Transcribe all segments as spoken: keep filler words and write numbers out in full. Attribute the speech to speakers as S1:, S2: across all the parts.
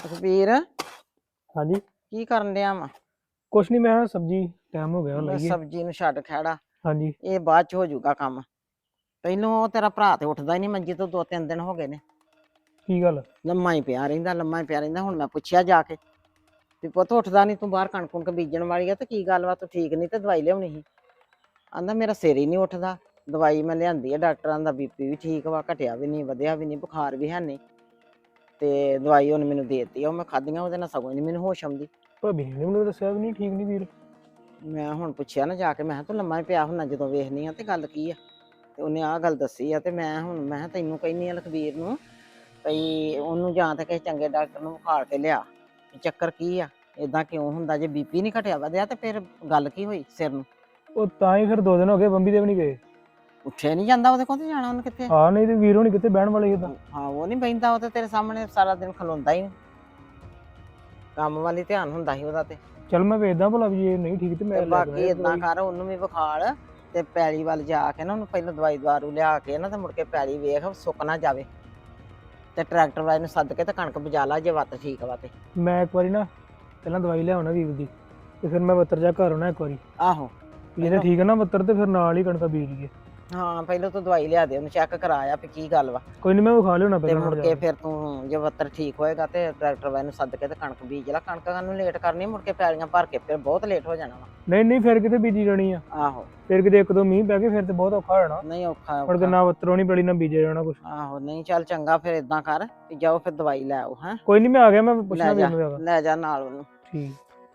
S1: ਸੁਖਬੀਰ
S2: ਹਾਂਜੀ।
S1: ਕੀ ਕਰਨ ਡਿਆ ਵਾ?
S2: ਕੁਛ ਨਹੀਂ, ਮੈਂ ਸਬਜ਼ੀ ਟਾਈਮ ਹੋ ਗਿਆ
S1: ਬਸ
S2: ਲਈਏ।
S1: ਸਬਜ਼ੀ ਨੂੰ ਛੱਡ ਖੜਾ,
S2: ਹਾਂਜੀ।
S1: ਇਹ ਬਾਅਦ ਚ ਹੋ ਜਾਊਗਾ ਕੰਮ। ਪਹਿਲੋਂ ਉਹ ਤੇਰਾ ਭਰਾ ਤੇ ਉੱਠਦਾ ਹੀ ਨਹੀਂ ਮੰਜੀ ਤੋਂ, ਦੋ ਤਿੰਨ ਦਿਨ ਹੋ ਗਏ ਨੇ।
S2: ਕੀ ਗੱਲ?
S1: ਲੰਮਾ ਹੀ ਪਿਆ ਰਹਿੰਦਾ, ਲੰਮਾ ਹੀ ਪਿਆ ਰਹਿੰਦਾ। ਹੁਣ ਮੈਂ ਪੁੱਛਿਆ ਜਾ ਕੇ ਵੀ ਪੁੱਤ ਉੱਠਦਾ ਨਹੀਂ, ਤੂੰ ਬਾਹਰ ਕਣਕ ਕੁਣਕ ਬੀਜਣ ਵਾਲੀ ਆ ਤੇ ਕੀ ਗੱਲ ਵਾ, ਤੂੰ ਠੀਕ ਨਹੀਂ ਤੇ ਦਵਾਈ ਲਿਆਉਣੀ ਸੀ। ਆਂਦਾ ਮੇਰਾ ਸਿਰ ਹੀ ਨਹੀਂ ਉੱਠਦਾ। ਦਵਾਈ ਮੈਂ ਲਿਆਂਦੀ ਆ, ਡਾਕਟਰਾਂ ਦਾ ਬੀਪੀ ਵੀ ਠੀਕ ਵਾ, ਘਟਿਆ ਵੀ ਨਹੀਂ ਵਧਿਆ ਵੀ ਨਹੀਂ, ਬੁਖਾਰ ਵੀ ਹੈ ਨਹੀਂ। ਤੇ ਦਵਾਈ ਉਹਨੇ ਮੈਨੂੰ ਦੇ ਦਿੱਤੀ ਆ, ਉਹ ਮੈਂ ਖਾਧੀਆਂ, ਉਹਦੇ ਨਾਲ ਸਗੋਂ ਨਹੀਂ ਮੈਨੂੰ ਹੋਸ਼ ਆਉਂਦੀ।
S2: ਭਾਬੀ ਨੇ ਮੈਨੂੰ ਦੱਸਿਆ ਵੀ ਨਹੀਂ ਠੀਕ ਨਹੀਂ ਵੀਰ।
S1: ਮੈਂ ਹੁਣ ਪੁੱਛਿਆ ਨਾ ਜਾ ਕੇ, ਮੈਂ ਕਿਹਾ ਤੂੰ ਲੰਮਾ ਹੀ ਪਿਆ ਹੁੰਦਾ ਜਦੋਂ ਵੇਖਨੀ ਆ ਤੇ ਗੱਲ ਕੀ ਆ। ਤੇ ਉਹਨੇ ਆਹ ਗੱਲ ਦੱਸੀ ਆ। ਤੇ ਮੈਂ ਹੁਣ ਮੈਂ ਕਿਹਾ ਤੈਨੂੰ ਕਹਿੰਦੀ ਆ ਲਖਬੀਰ ਨੂੰ ਭਈ ਉਹਨੂੰ ਜਾਂ ਤਾਂ ਕਿਸੇ ਚੰਗੇ ਡਾਕਟਰ ਨੂੰ ਵਿਖਾਲ ਕੇ ਲਿਆ, ਚੱਕਰ ਕੀ ਆ, ਏਦਾਂ ਕਿਉਂ ਹੁੰਦਾ। ਜੇ ਬੀਪੀ ਨਹੀਂ ਘਟਿਆ ਵਧਿਆ ਤੇ ਫਿਰ ਗੱਲ ਕੀ ਹੋਈ ਸਿਰ ਨੂੰ?
S2: ਉਹ ਤਾਂ ਹੀ ਫਿਰ ਦੋ ਦਿਨ ਹੋ ਗਏ ਬੰਬੀ ਦੇ ਵੀ ਨਹੀਂ ਗਏ।
S1: ਉੱਠਿਆ ਨਹੀਂ ਜਾਂਦਾ ਉਹਦੇ ਕੋਲ, ਤੇ ਜਾਣਾ ਉਹਨੇ ਕਿੱਥੇ?
S2: ਹਾਂ, ਨਹੀਂ ਤੇ ਵੀਰ ਹੋਣੀ ਕਿੱਥੇ ਬਹਿਣ ਵਾਲੇ ਸੀ ਤਾਂ।
S1: ਹਾਂ, ਉਹ ਨਹੀਂ ਬਹਿੰਦਾ, ਉਹ ਤੇ ਤੇਰੇ ਸਾਹਮਣੇ ਸਾਰਾ ਦਿਨ ਖਲੋਂਦਾ ਹੀ, ਕੰਮ ਵਾਲੀ ਧਿਆਨ ਹੁੰਦਾ ਸੀ ਉਹਦਾ। ਤੇ
S2: ਚੱਲ ਮੈਂ ਵੇਖਦਾ ਭਲਾ ਵੀ ਜੇ ਨਹੀਂ ਠੀਕ ਤੇ ਮੈਂ ਲੈ
S1: ਬਾਕੀ ਏਦਾਂ ਕਰ, ਉਹਨੂੰ ਵੀ ਵਿਖਾਲ ਤੇ ਪੈਲੀ ਵੱਲ ਜਾ ਕੇ ਨਾ ਉਹਨੂੰ ਪਹਿਲਾਂ ਦਵਾਈ ਦਾਰੂ ਲਿਆ ਕੇ ਨਾ ਤੇ ਮੁੜ ਕੇ ਪੈਲੀ ਵੇਖ ਸੁੱਕ ਨਾ ਜਾਵੇ। ਤੇ ਟਰੈਕਟਰ ਵਾਲੇ ਨੂੰ ਸੱਦ ਕੇ ਤੇ ਕਣਕ ਬਜਾ ਲਾ ਜੇ ਵੱਤ ਠੀਕ ਵਾ ਤੇ।
S2: ਮੈਂ ਇੱਕ ਵਾਰੀ ਨਾ ਪਹਿਲਾਂ ਦਵਾਈ ਲਿਆਉਣਾ ਵੀਰ ਦੀ, ਤੇ ਫਿਰ ਮੈਂ ਬੱਤਰ ਜਾ ਘਰ ਆਉਣਾ ਇੱਕ ਵਾਰੀ।
S1: ਆਹੋ,
S2: ਜੇ ਠੀਕ ਹੈ ਨਾ ਬੱਤਰ ਤੇ ਫਿਰ ਨਾਲ ਹੀ ਕਣਕਾਂ ਬੀਜ ਲਈਏ।
S1: ਹਾਂ, ਪਹਿਲਾਂ ਤੂੰ ਦਵਾਈ ਲਿਆ ਦੇ, ਉਹਨੂੰ ਚੈੱਕ ਕਰਾਇਆ ਵੀ ਕੀ ਗੱਲ ਵਾ।
S2: ਕੋਈ ਨਹੀਂ, ਮੈਂ ਵਿਖਾ ਲਿਆਉਣਾ
S1: ਤੇ
S2: ਪਹਿਲਾਂ।
S1: ਮੁੜ ਕੇ ਫਿਰ ਤੂੰ ਜੇ ਬੱਤਰ ਠੀਕ ਹੋਏਗਾ ਤੇ ਟਰੈਕਟਰ ਵਾਲੇ ਨੂੰ ਸੱਦ ਕੇ ਤੇ ਕਣਕ ਬੀਜ ਲਾ। ਕਣਕਾਂ ਨੂੰ ਲੇਟ ਕਰਨੀ, ਮੁੜ ਕੇ ਪੈਲੀਆਂ ਭਰ ਕੇ ਫਿਰ ਬਹੁਤ ਲੇਟ ਹੋ ਜਾਣਾ ਵਾ।
S2: ਨਹੀਂ ਨਹੀਂ, ਫਿਰ ਕਿਤੇ ਬੀਜੀ ਜਾਣੀ ਆ।
S1: ਆਹੋ,
S2: ਫਿਰ ਕਿਤੇ ਇੱਕ ਦੋ ਮੀਂਹ ਪੈ ਗਏ ਫਿਰ ਤੇ ਬਹੁਤ ਔਖਾ ਹੋ ਜਾਣਾ।
S1: ਨਹੀਂ ਔਖਾ
S2: ਮੁੜ ਕੇ
S1: ਔਖਾ
S2: ਨਾ ਬੱਤਰੋਂ ਨਹੀਂ ਪੈਲੀ ਨਾ ਬੀਜਿਆ ਜਾਣਾ ਕੁਛ।
S1: ਆਹੋ, ਨਹੀਂ ਚੱਲ ਚੰਗਾ, ਫਿਰ ਏਦਾਂ ਕਰ ਵੀ ਜਾਓ ਫਿਰ ਦਵਾਈ ਲੈ ਆਓ। ਹੈਂ,
S2: ਕੋਈ ਨਹੀਂ, ਮੈਂ ਆ ਗਿਆ, ਮੈਂ ਪੁੱਛਣਾ
S1: ਲੈ
S2: ਵੀਰ
S1: ਜਾ
S2: ਨੂੰ ਜਾਗਾ।
S1: ਲੈ ਜਾ ਨਾਲ ਉਹਨੂੰ।
S2: ਠੀਕ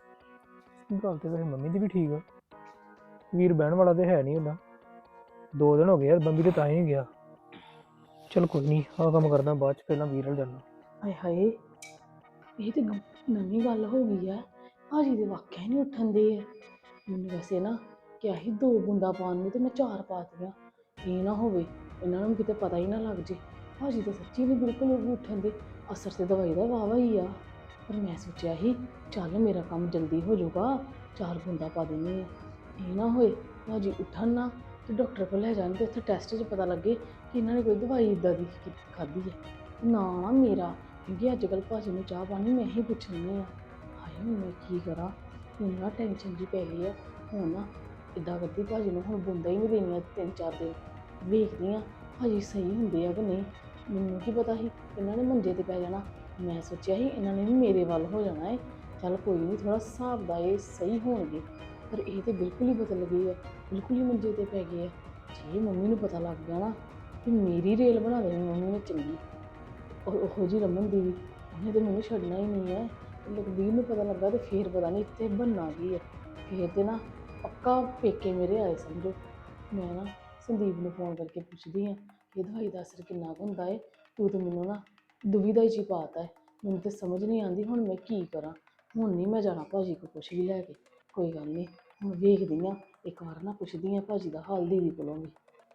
S2: ਗੱਲ ਤੇ ਵੈਸੇ ਮੰਮੀ ਦੀ ਵੀ ਠੀਕ ਆ, ਵੀਰ ਬਹਿਣ ਵਾਲਾ ਤੇ ਹੈ ਨਹੀਂ ਹੁੰਦਾ। ਦੋ ਦਿਨ ਹੋ ਗਏ ਯਾਰ ਬੰਬੀ ਤੇ ਤਾਂ ਹੀ ਨਹੀਂ ਗਿਆ। ਚਲ ਕੋਈ ਨਹੀਂ, ਆਹ ਕੰਮ ਕਰਦਾ ਬਾਅਦ ਚ, ਪਹਿਲਾਂ ਵੀਰ ਨਾਲ ਜਾਣਾ।
S3: ਹਾਏ ਹਾਏ, ਇਹ ਤੇ ਨਵੀਂ ਗੱਲ ਹੋ ਗਈ ਆ। ਭਾਜੀ ਦੇ ਵਾਕਿਆ ਹੀ ਨਹੀਂ ਉੱਠਣ ਦੇ ਆ। ਮੈਨੂੰ ਵੈਸੇ ਨਾ ਕਿਹਾ ਸੀ ਦੋ ਬੂੰਦਾਂ ਪਾਉਣ ਨੂੰ, ਤੇ ਮੈਂ ਚਾਰ ਪਾ ਦਿੱਤੀਆਂ। ਇਹ ਨਾ ਹੋਵੇ ਇਹਨਾਂ ਨੂੰ ਕਿਤੇ ਪਤਾ ਹੀ ਨਾ ਲੱਗ ਜੇ। ਭਾਜੀ ਤਾਂ ਸੱਚੀ ਨਹੀਂ ਬਿਲਕੁਲ ਵੀ ਉੱਠਣ ਦੇ। ਅਸਰ ਤੇ ਦਵਾਈ ਦਾ ਵਾਵਾ ਹੀ ਆ। ਪਰ ਮੈਂ ਸੋਚਿਆ ਸੀ ਚੱਲ ਮੇਰਾ ਕੰਮ ਜਲਦੀ ਹੋ ਜਾਊਗਾ, ਚਾਰ ਬੂੰਦਾਂ ਪਾ ਦਿੰਦੀ ਆ। ਇਹ ਨਾ ਹੋਏ ਭਾਜੀ ਉੱਠਣ ਨਾ ਤੇ ਡਾਕਟਰ ਕੋਲ ਲੈ ਜਾਣ ਤੇ ਉੱਥੇ ਟੈਸਟ 'ਚ ਪਤਾ ਲੱਗੇ ਕਿ ਇਹਨਾਂ ਨੇ ਕੋਈ ਦਵਾਈ ਇੱਦਾਂ ਦੀ ਖਾਧੀ ਹੈ। ਨਾ ਨਾ ਮੇਰਾ, ਕਿਉਂਕਿ ਅੱਜ ਕੱਲ੍ਹ ਭਾਜੀ ਨੂੰ ਚਾਹ ਪਾਣੀ ਮੈਂ ਹੀ ਪੁੱਛਣੀ ਆ। ਹਾਏ ਹੁਣ ਮੈਂ ਕੀ ਕਰਾਂ, ਮੈਨੂੰ ਨਾ ਟੈਨਸ਼ਨ ਜਿਹੀ ਪੈ ਗਈ ਆ। ਹੁਣ ਨਾ ਇੱਦਾਂ ਕਰਦੀ, ਭਾਜੀ ਨੂੰ ਹੁਣ ਬੂੰਦਾਂ ਹੀ ਨਹੀਂ ਦੇਣੀਆਂ ਤਿੰਨ ਚਾਰ ਦਿਨ। ਵੇਖਦੀ ਹਾਂ ਭਾਜੀ ਸਹੀ ਹੁੰਦੇ ਆ ਕਿ ਨਹੀਂ। ਮੈਨੂੰ ਕੀ ਪਤਾ ਸੀ ਇਹਨਾਂ ਨੇ ਮੰਜੇ 'ਤੇ ਪੈ ਜਾਣਾ। ਮੈਂ ਸੋਚਿਆ ਸੀ ਇਹਨਾਂ ਨੇ ਵੀ ਮੇਰੇ ਵੱਲ ਹੋ ਜਾਣਾ ਹੈ। ਚੱਲ ਕੋਈ ਨਹੀਂ, ਥੋੜ੍ਹਾ ਹਿਸਾਬ ਦਾ ਇਹ ਸਹੀ ਹੋਣਗੇ। ਪਰ ਇਹ ਤਾਂ ਬਿਲਕੁਲ ਹੀ ਬਦਲ ਗਏ ਆ, ਬਿਲਕੁਲ ਹੀ ਮੰਜੇ 'ਤੇ ਪੈ ਗਏ ਆ। ਜੇ ਮੰਮੀ ਨੂੰ ਪਤਾ ਲੱਗ ਗਿਆ ਨਾ ਕਿ ਮੇਰੀ ਰੇਲ ਬਣਾ ਦੇਣੀ ਮੰਮੀ ਨੇ ਚੰਗੀ, ਉਹ ਉਹੋ ਜਿਹੀ ਰਮਨ ਦੀ ਵੀ, ਉਹਨੇ ਤਾਂ ਮੈਨੂੰ ਛੱਡਣਾ ਹੀ ਨਹੀਂ ਹੈ। ਲਖਬੀਰ ਨੂੰ ਪਤਾ ਲੱਗਾ ਤੇ ਫੇਰ ਪਤਾ ਨਹੀਂ ਇੱਥੇ ਬਣਨਾ ਕੀ ਹੈ। ਫੇਰ ਤੇ ਨਾ ਪੱਕਾ ਪੇਕੇ ਮੇਰੇ ਆਏ ਸਮਝੋ। ਮੈਂ ਨਾ ਸੰਦੀਪ ਨੂੰ ਫੋਨ ਕਰਕੇ ਪੁੱਛਦੀ ਹਾਂ ਕਿ ਦਵਾਈ ਦਾ ਅਸਰ ਕਿੰਨਾ ਕੁ ਹੁੰਦਾ ਹੈ। ਤੂੰ ਤਾਂ ਮੈਨੂੰ ਨਾ ਦੁਵਿਧਾ 'ਚ ਹੀ ਪਾਤਾ ਹੈ। ਮੈਨੂੰ ਤਾਂ ਸਮਝ ਨਹੀਂ ਆਉਂਦੀ ਹੁਣ ਮੈਂ ਕੀ ਕਰਾਂ। ਹੁਣ ਨਹੀਂ ਮੈਂ ਜਾਣਾ ਭਾਜੀ ਕੋਲ ਕੁਛ ਵੀ ਲੈ ਕੇ। ਕੋਈ ਗੱਲ ਨਹੀਂ, ਹੁਣ ਵੇਖਦੀ ਹਾਂ, ਇੱਕ ਵਾਰ ਨਾ ਪੁੱਛਦੀ ਹਾਂ ਭਾਜੀ ਦਾ ਹਾਲ ਦੀਦੀ ਕੋਲੋਂ ਵੀ।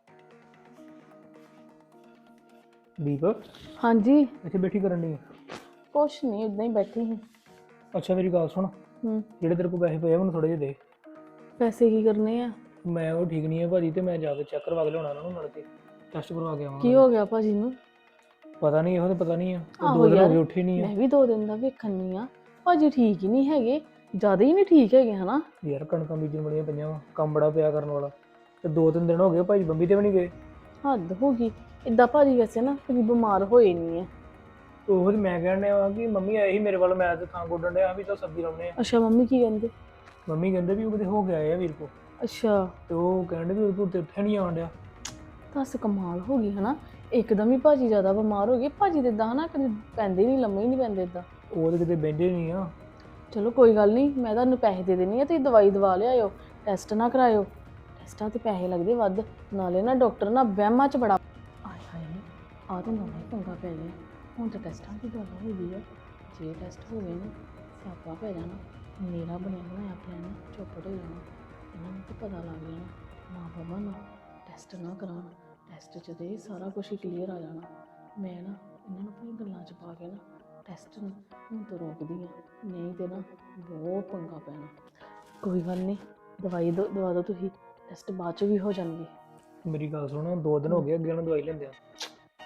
S2: ਦੀਪ,
S3: ਹਾਂਜੀ।
S2: ਇੱਥੇ ਬੈਠੀ ਕਰਨ ਦੀ?
S3: ਕੁਛ ਨਹੀਂ, ਇੱਦਾਂ ਹੀ ਬੈਠੀ ਸੀ।
S2: ਅੱਛਾ ਮੇਰੀ ਗੱਲ ਸੁਣ,
S3: ਹੂੰ,
S2: ਜਿਹੜੇ ਤੇਰੇ ਕੋਲ ਪੈਸੇ ਪਏ ਆ ਮੈਨੂੰ ਥੋੜੇ ਜਿਹੇ ਦੇ।
S3: ਪੈਸੇ ਕੀ ਕਰਨੇ ਆ?
S2: ਮੈਂ ਉਹ ਠੀਕ ਨਹੀਂ ਹੈ ਭਾਜੀ, ਤੇ ਮੈਂ ਜਾ ਕੇ ਚੈੱਕ ਕਰਵਾ ਕੇ ਲਿਆਉਣਾ ਉਹਨਾਂ ਨੂੰ, ਮਿਲ ਕੇ ਟੈਸਟ ਕਰਵਾ ਕੇ ਆਵਾਂਗਾ।
S3: ਕੀ ਹੋ ਗਿਆ ਭਾਜੀ ਨੂੰ?
S2: ਪਤਾ ਨਹੀਂ, ਇਹੋ ਤਾਂ ਪਤਾ ਨਹੀਂ ਆ। ਉਹ
S3: ਆਹੋ
S2: ਦੋ ਦਿਨ ਹੋ
S3: ਯਾਰ,
S2: ਗਏ ਉੱਠੇ ਨਹੀਂ ਆ।
S3: ਮੈਂ ਵੀ ਦੋ ਦਿਨ ਦਾ ਵੇਖਣੀ ਆ। ਭਾਜੀ ਠੀਕ ਹੀ ਨਹੀਂ ਹੈਗੇ, ਜ਼ਿਆਦਾ ਹੀ ਨਹੀਂ ਠੀਕ ਹੈਗੇ ਹਨਾ।
S2: ਯਾਰ ਕਣਕਾਂ ਬੀਜਣ ਵਾਲੀਆਂ ਪਈਆਂ ਵਾ, ਕੰਮ ਬੜਾ ਪਿਆ ਕਰਨ ਵਾਲਾ, ਤੇ ਦੋ ਤਿੰਨ ਦਿਨ ਹੋ ਗਏ ਭਾਜੀ ਬੰਬੀ ਤੇ ਵੀ ਨਹੀਂ ਗਏ।
S3: ਹੱਦ ਹੋ ਗਈ। ਇੱਦਾਂ ਭਾਜੀ ਵੈਸੇ ਨਾ ਕਦੀ ਬਿਮਾਰ ਹੋਏ ਨਹੀਂ ਹੈ।
S2: ਉਹ ਤੇ ਮੈਂ ਕਹਿਣ ਡਿਆ ਕਿ ਮੰਮੀ ਆਏ ਸੀ ਮੇਰੇ ਵੱਲ, ਮੈਂ ਤੇ ਥਾਂ ਗੋਡਣ ਡਿਆ ਵੀ ਤਾਂ ਸਬਜ਼ੀ ਲਾਉਣੇ ਆ।
S3: ਅੱਛਾ, ਮੰਮੀ ਕੀ ਕਹਿੰਦੇ?
S2: ਮੰਮੀ ਕਹਿੰਦੇ ਵੀ ਉਹ ਕਿਤੇ ਹੋ ਕੇ ਆਏ ਆ ਵੀਰ ਕੋ।
S3: ਅੱਛਾ,
S2: ਤੇ ਉਹ ਕਹਿੰਦੇ ਵੀ ਉਹ ਤੇ ਉੱਠਿਆ ਨਹੀਂ ਆਉਣ ਡਿਆ।
S3: ਦੱਸ ਕਮਾਲ ਹੋ ਗਈ ਹਨਾ। ਇੱਕਦਮ ਹੀ ਭਾਜੀ ਜ਼ਿਆਦਾ ਬਿਮਾਰ ਹੋ ਗਏ। ਭਾਜੀ ਤੇ ਇਦਾਂ ਨਾ ਕਦੇ ਪੈਂਦੇ ਨਹੀਂ, ਲੰਮੇ ਹੀ ਨਹੀਂ ਪੈਂਦੇ ਇੱਦਾਂ।
S2: ਉਹ ਤੇ ਕਿਤੇ ਬਹਿੰਦੇ ਨਹੀਂ ਆ।
S3: ਚਲੋ ਕੋਈ ਗੱਲ ਨਹੀਂ, ਮੈਂ ਤੁਹਾਨੂੰ ਪੈਸੇ ਦੇ ਦੇਣੀ ਆ, ਤੁਸੀਂ ਦਵਾਈ ਦਵਾ ਲਿਆਇਓ, ਟੈਸਟ ਨਾ ਕਰਾਇਓ। ਟੈਸਟਾਂ 'ਤੇ ਪੈਸੇ ਲੱਗਦੇ ਵੱਧ, ਨਾਲੇ ਨਾ ਡਾਕਟਰ ਨਾ ਵਹਿਮਾਂ 'ਚ ਬੜਾ। ਆਏ ਹਾਏ, ਆਹ ਤਾਂ ਨਵਾਂ ਹੀ ਪੰਗਾ ਪੈ ਗਿਆ। ਹੁਣ ਤਾਂ ਟੈਸਟਾਂ ਦੀ ਗੱਲ ਹੋ ਗਈ ਆ। ਜੇ ਟੈਸਟ ਹੋ ਗਏ ਨਾ ਸਿਆਪਾ ਪੈ ਜਾਣਾ। ਮੇਰਾ ਬਣਿਆ ਬਣਾਇਆ ਪਲਾਨ ਚੌਪੜ ਹੋ ਜਾਣਾ। ਇਹਨਾਂ ਨੂੰ ਤਾਂ ਪਤਾ ਲੱਗ ਜਾਣਾ ਮਾਂ ਬਾਬਾ ਨੂੰ ਟੈਸਟ ਨਾ ਕਰਾਉਣ। ਟੈਸਟ 'ਚ ਤਾਂ ਸਾਰਾ ਕੁਛ ਹੀ ਕਲੀਅਰ ਆ ਜਾਣਾ। ਮੈਂ ਨਾ ਇਹਨਾਂ ਨੂੰ ਆਪਣੀ ਗੱਲਾਂ 'ਚ ਪਾ ਕੇ ਨਾ ਟੈਸਟ ਨੂੰ ਹੁਣ ਤੋਂ ਰੋਕਦੀ ਹਾਂ, ਨਹੀਂ ਤੇ ਨਾ ਬਹੁਤ ਪੰਗਾ ਪੈਣਾ। ਕੋਈ ਗੱਲ ਨਹੀਂ, ਦਵਾਈ ਦੋ ਦਵਾ ਦਿਓ ਤੁਸੀਂ, ਟੈਸਟ ਬਾਅਦ 'ਚ ਵੀ ਹੋ ਜਾਣਗੇ।
S2: ਮੇਰੀ ਗੱਲ ਸੁਣੋ, ਦੋ ਦਿਨ ਹੋ ਗਏ ਅੱਗੇ ਨੂੰ ਦਵਾਈ ਲੈਂਦੇ ਆ,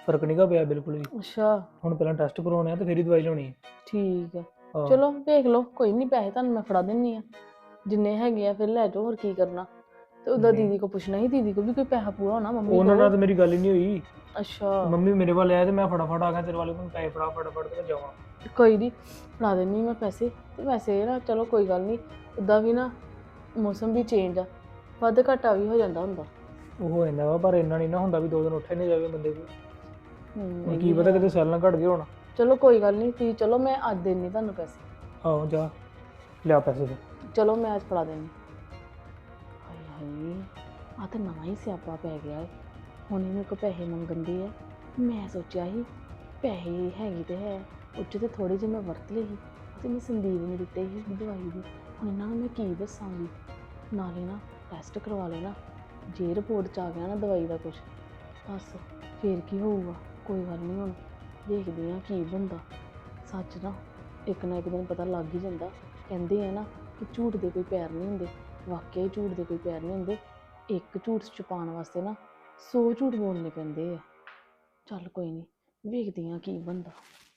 S2: ਫਰਕ ਨਹੀਂਗਾ ਪਿਆ ਬਿਲਕੁਲ ਵੀ।
S3: ਅੱਛਾ
S2: ਹੁਣ ਪਹਿਲਾਂ ਟੈਸਟ ਕਰਵਾਉਣੇ ਆ ਤੇ ਫਿਰ ਹੀ ਦਵਾਈ ਲਾਉਣੀ ਹੈ।
S3: ਠੀਕ ਆ
S2: ਹਾਂ।
S3: ਚਲੋ ਵੇਖ ਲਓ, ਕੋਈ ਨਹੀਂ, ਪੈਸੇ ਤੁਹਾਨੂੰ ਮੈਂ ਫੜਾ ਦਿੰਨੀ ਆ, ਜਿੰਨੇ ਹੈਗੇ ਆ ਫਿਰ ਲੈ ਜਾਓ, ਹੋਰ ਕੀ ਕਰਨਾ। ਤੇ ਉਧਰ
S2: ਨਹੀਂ।
S3: ਦੀਦੀ ਕੋ ਪੁੱਛਣਾ ਸੀ, ਦੀਦੀ ਕੋ ਵੀ ਕੋਈ ਪੈਸਾ ਪੂਰਾ ਹੋਣਾ ਮੰਮੀ
S2: ਉਹਨਾਂ ਨਾਲ
S3: ਕੋ।
S2: ਤਾਂ ਮੇਰੀ ਗੱਲ ਹੀ ਨਹੀਂ ਹੋਈ।
S3: ਅੱਛਾ
S2: ਮੰਮੀ ਮੇਰੇ ਵੱਲ ਆਇਆ ਤੇ ਮੈਂ ਫਟਾਫਟ ਆ ਗਿਆ ਤੇਰੇ ਵਾਲੇ ਕੋਲ, ਪੈਸੇ ਫੜਾ ਫਟਾਫਟ ਤੇ ਮੈਂ ਜਾਵਾਂ।
S3: ਕੋਈ ਨਹੀਂ, ਫੜਾ ਦਿੰਨੀ ਮੈਂ ਪੈਸੇ। ਤੇ ਵੈਸੇ ਨਾ ਚਲੋ ਕੋਈ ਗੱਲ ਨਹੀਂ, ਉੱਦਾਂ ਵੀ ਨਾ ਮੌਸਮ ਵੀ ਚੇਂਜ ਆ, ਵੱਧ ਘਾਟਾ ਵੀ ਹੋ ਜਾਂਦਾ ਹੁੰਦਾ।
S2: ਉਹ ਹੋ ਜਾਂਦਾ ਵਾ, ਪਰ ਇੰਨਾ ਨਹੀਂ ਨਾ ਹੁੰਦਾ ਵੀ ਦੋ ਦਿਨ ਉੱਠੇ ਨਹੀਂ ਜਾਵੇ ਬੰਦੇ ਕੋਲ।
S3: ਹੂੰ,
S2: ਹੁਣ
S3: ਇਹ
S2: ਕੀ
S3: ਵੀ
S2: ਪਤਾ
S3: ਹੈ।
S2: ਕਿਤੇ ਸੈੱਲ ਨਾ ਘਟ ਗਏ ਹੋਣ।
S3: ਚਲੋ ਕੋਈ ਗੱਲ ਨਹੀਂ, ਤੁਸੀਂ ਚਲੋ, ਮੈਂ ਅੱਜ ਦੇਣੀ ਤੁਹਾਨੂੰ ਪੈਸੇ।
S2: ਆਹੋ ਜਾ ਲਿਆ ਪੈਸੇ ਫਿਰ।
S3: ਚਲੋ ਮੈਂ ਅੱਜ ਫੜਾ ਦੇਣੀ। ਹਾਏ ਹਾਏ, ਆ ਤਾਂ ਨਵਾਂ ਹੀ ਸਿਆਪਾ ਪੈ ਗਿਆ ਹੈ। ਹੁਣ ਇਹ ਮੇਰੇ ਕੋਲ ਪੈਸੇ ਮੰਗਣ ਦੀ ਹੈ। ਮੈਂ ਸੋਚਿਆ ਸੀ ਪੈਸੇ ਹੈਗੇ ਤੇ ਹੈ, ਉੱਚ ਤੇ ਥੋੜੇ ਜਿਹੇ ਮੈਂ ਵਰਤ ਲਏ ਸੀ, ਅਤੇ ਮੈਂ ਸੰਦੀਪ ਨੂੰ ਦਿੱਤੇ ਸੀ ਦਵਾਈ ਦੀ। ਹੁਣ ਇਹਨਾਂ ਨੂੰ ਮੈਂ ਕੀ ਦੱਸਾਂਗੀ। ਨਾਲੇ ਨਾ ਟੈਸਟ ਕਰਵਾ ਲੈਣਾ, ਜੇ ਰਿਪੋਰਟ 'ਚ ਆ ਗਿਆ ਨਾ ਦਵਾਈ ਦਾ ਕੁਛ, ਬਸ ਫੇਰ ਕੀ ਹੋਊਗਾ। ਕੋਈ ਗੱਲ ਨਹੀਂ, ਹੁਣ ਦੇਖਦੇ ਹਾਂ ਕੀ ਬਣਦਾ। ਸੱਚ ਨਾ ਇੱਕ ਨਾ ਇੱਕ ਦਿਨ ਪਤਾ ਲੱਗ ਹੀ ਜਾਂਦਾ। ਕਹਿੰਦੇ ਆ ਨਾ ਕਿ ਝੂਠ ਦੇ ਕੋਈ ਪੈਰ ਨਹੀਂ ਹੁੰਦੇ, ਵਾਕਿਆ ਹੀ ਝੂਠ ਦੇ ਕੋਈ ਪੈਰ ਨਹੀਂ ਹੁੰਦੇ। ਇੱਕ ਝੂਠ ਛੁਪਾਉਣ ਵਾਸਤੇ ਨਾ ਸੌ ਝੂਠ ਬੋਲਣੇ ਪੈਂਦੇ ਆ। ਚੱਲ ਕੋਈ ਨਹੀਂ, ਵੇਖਦੇ ਹਾਂ ਕੀ ਬਣਦਾ।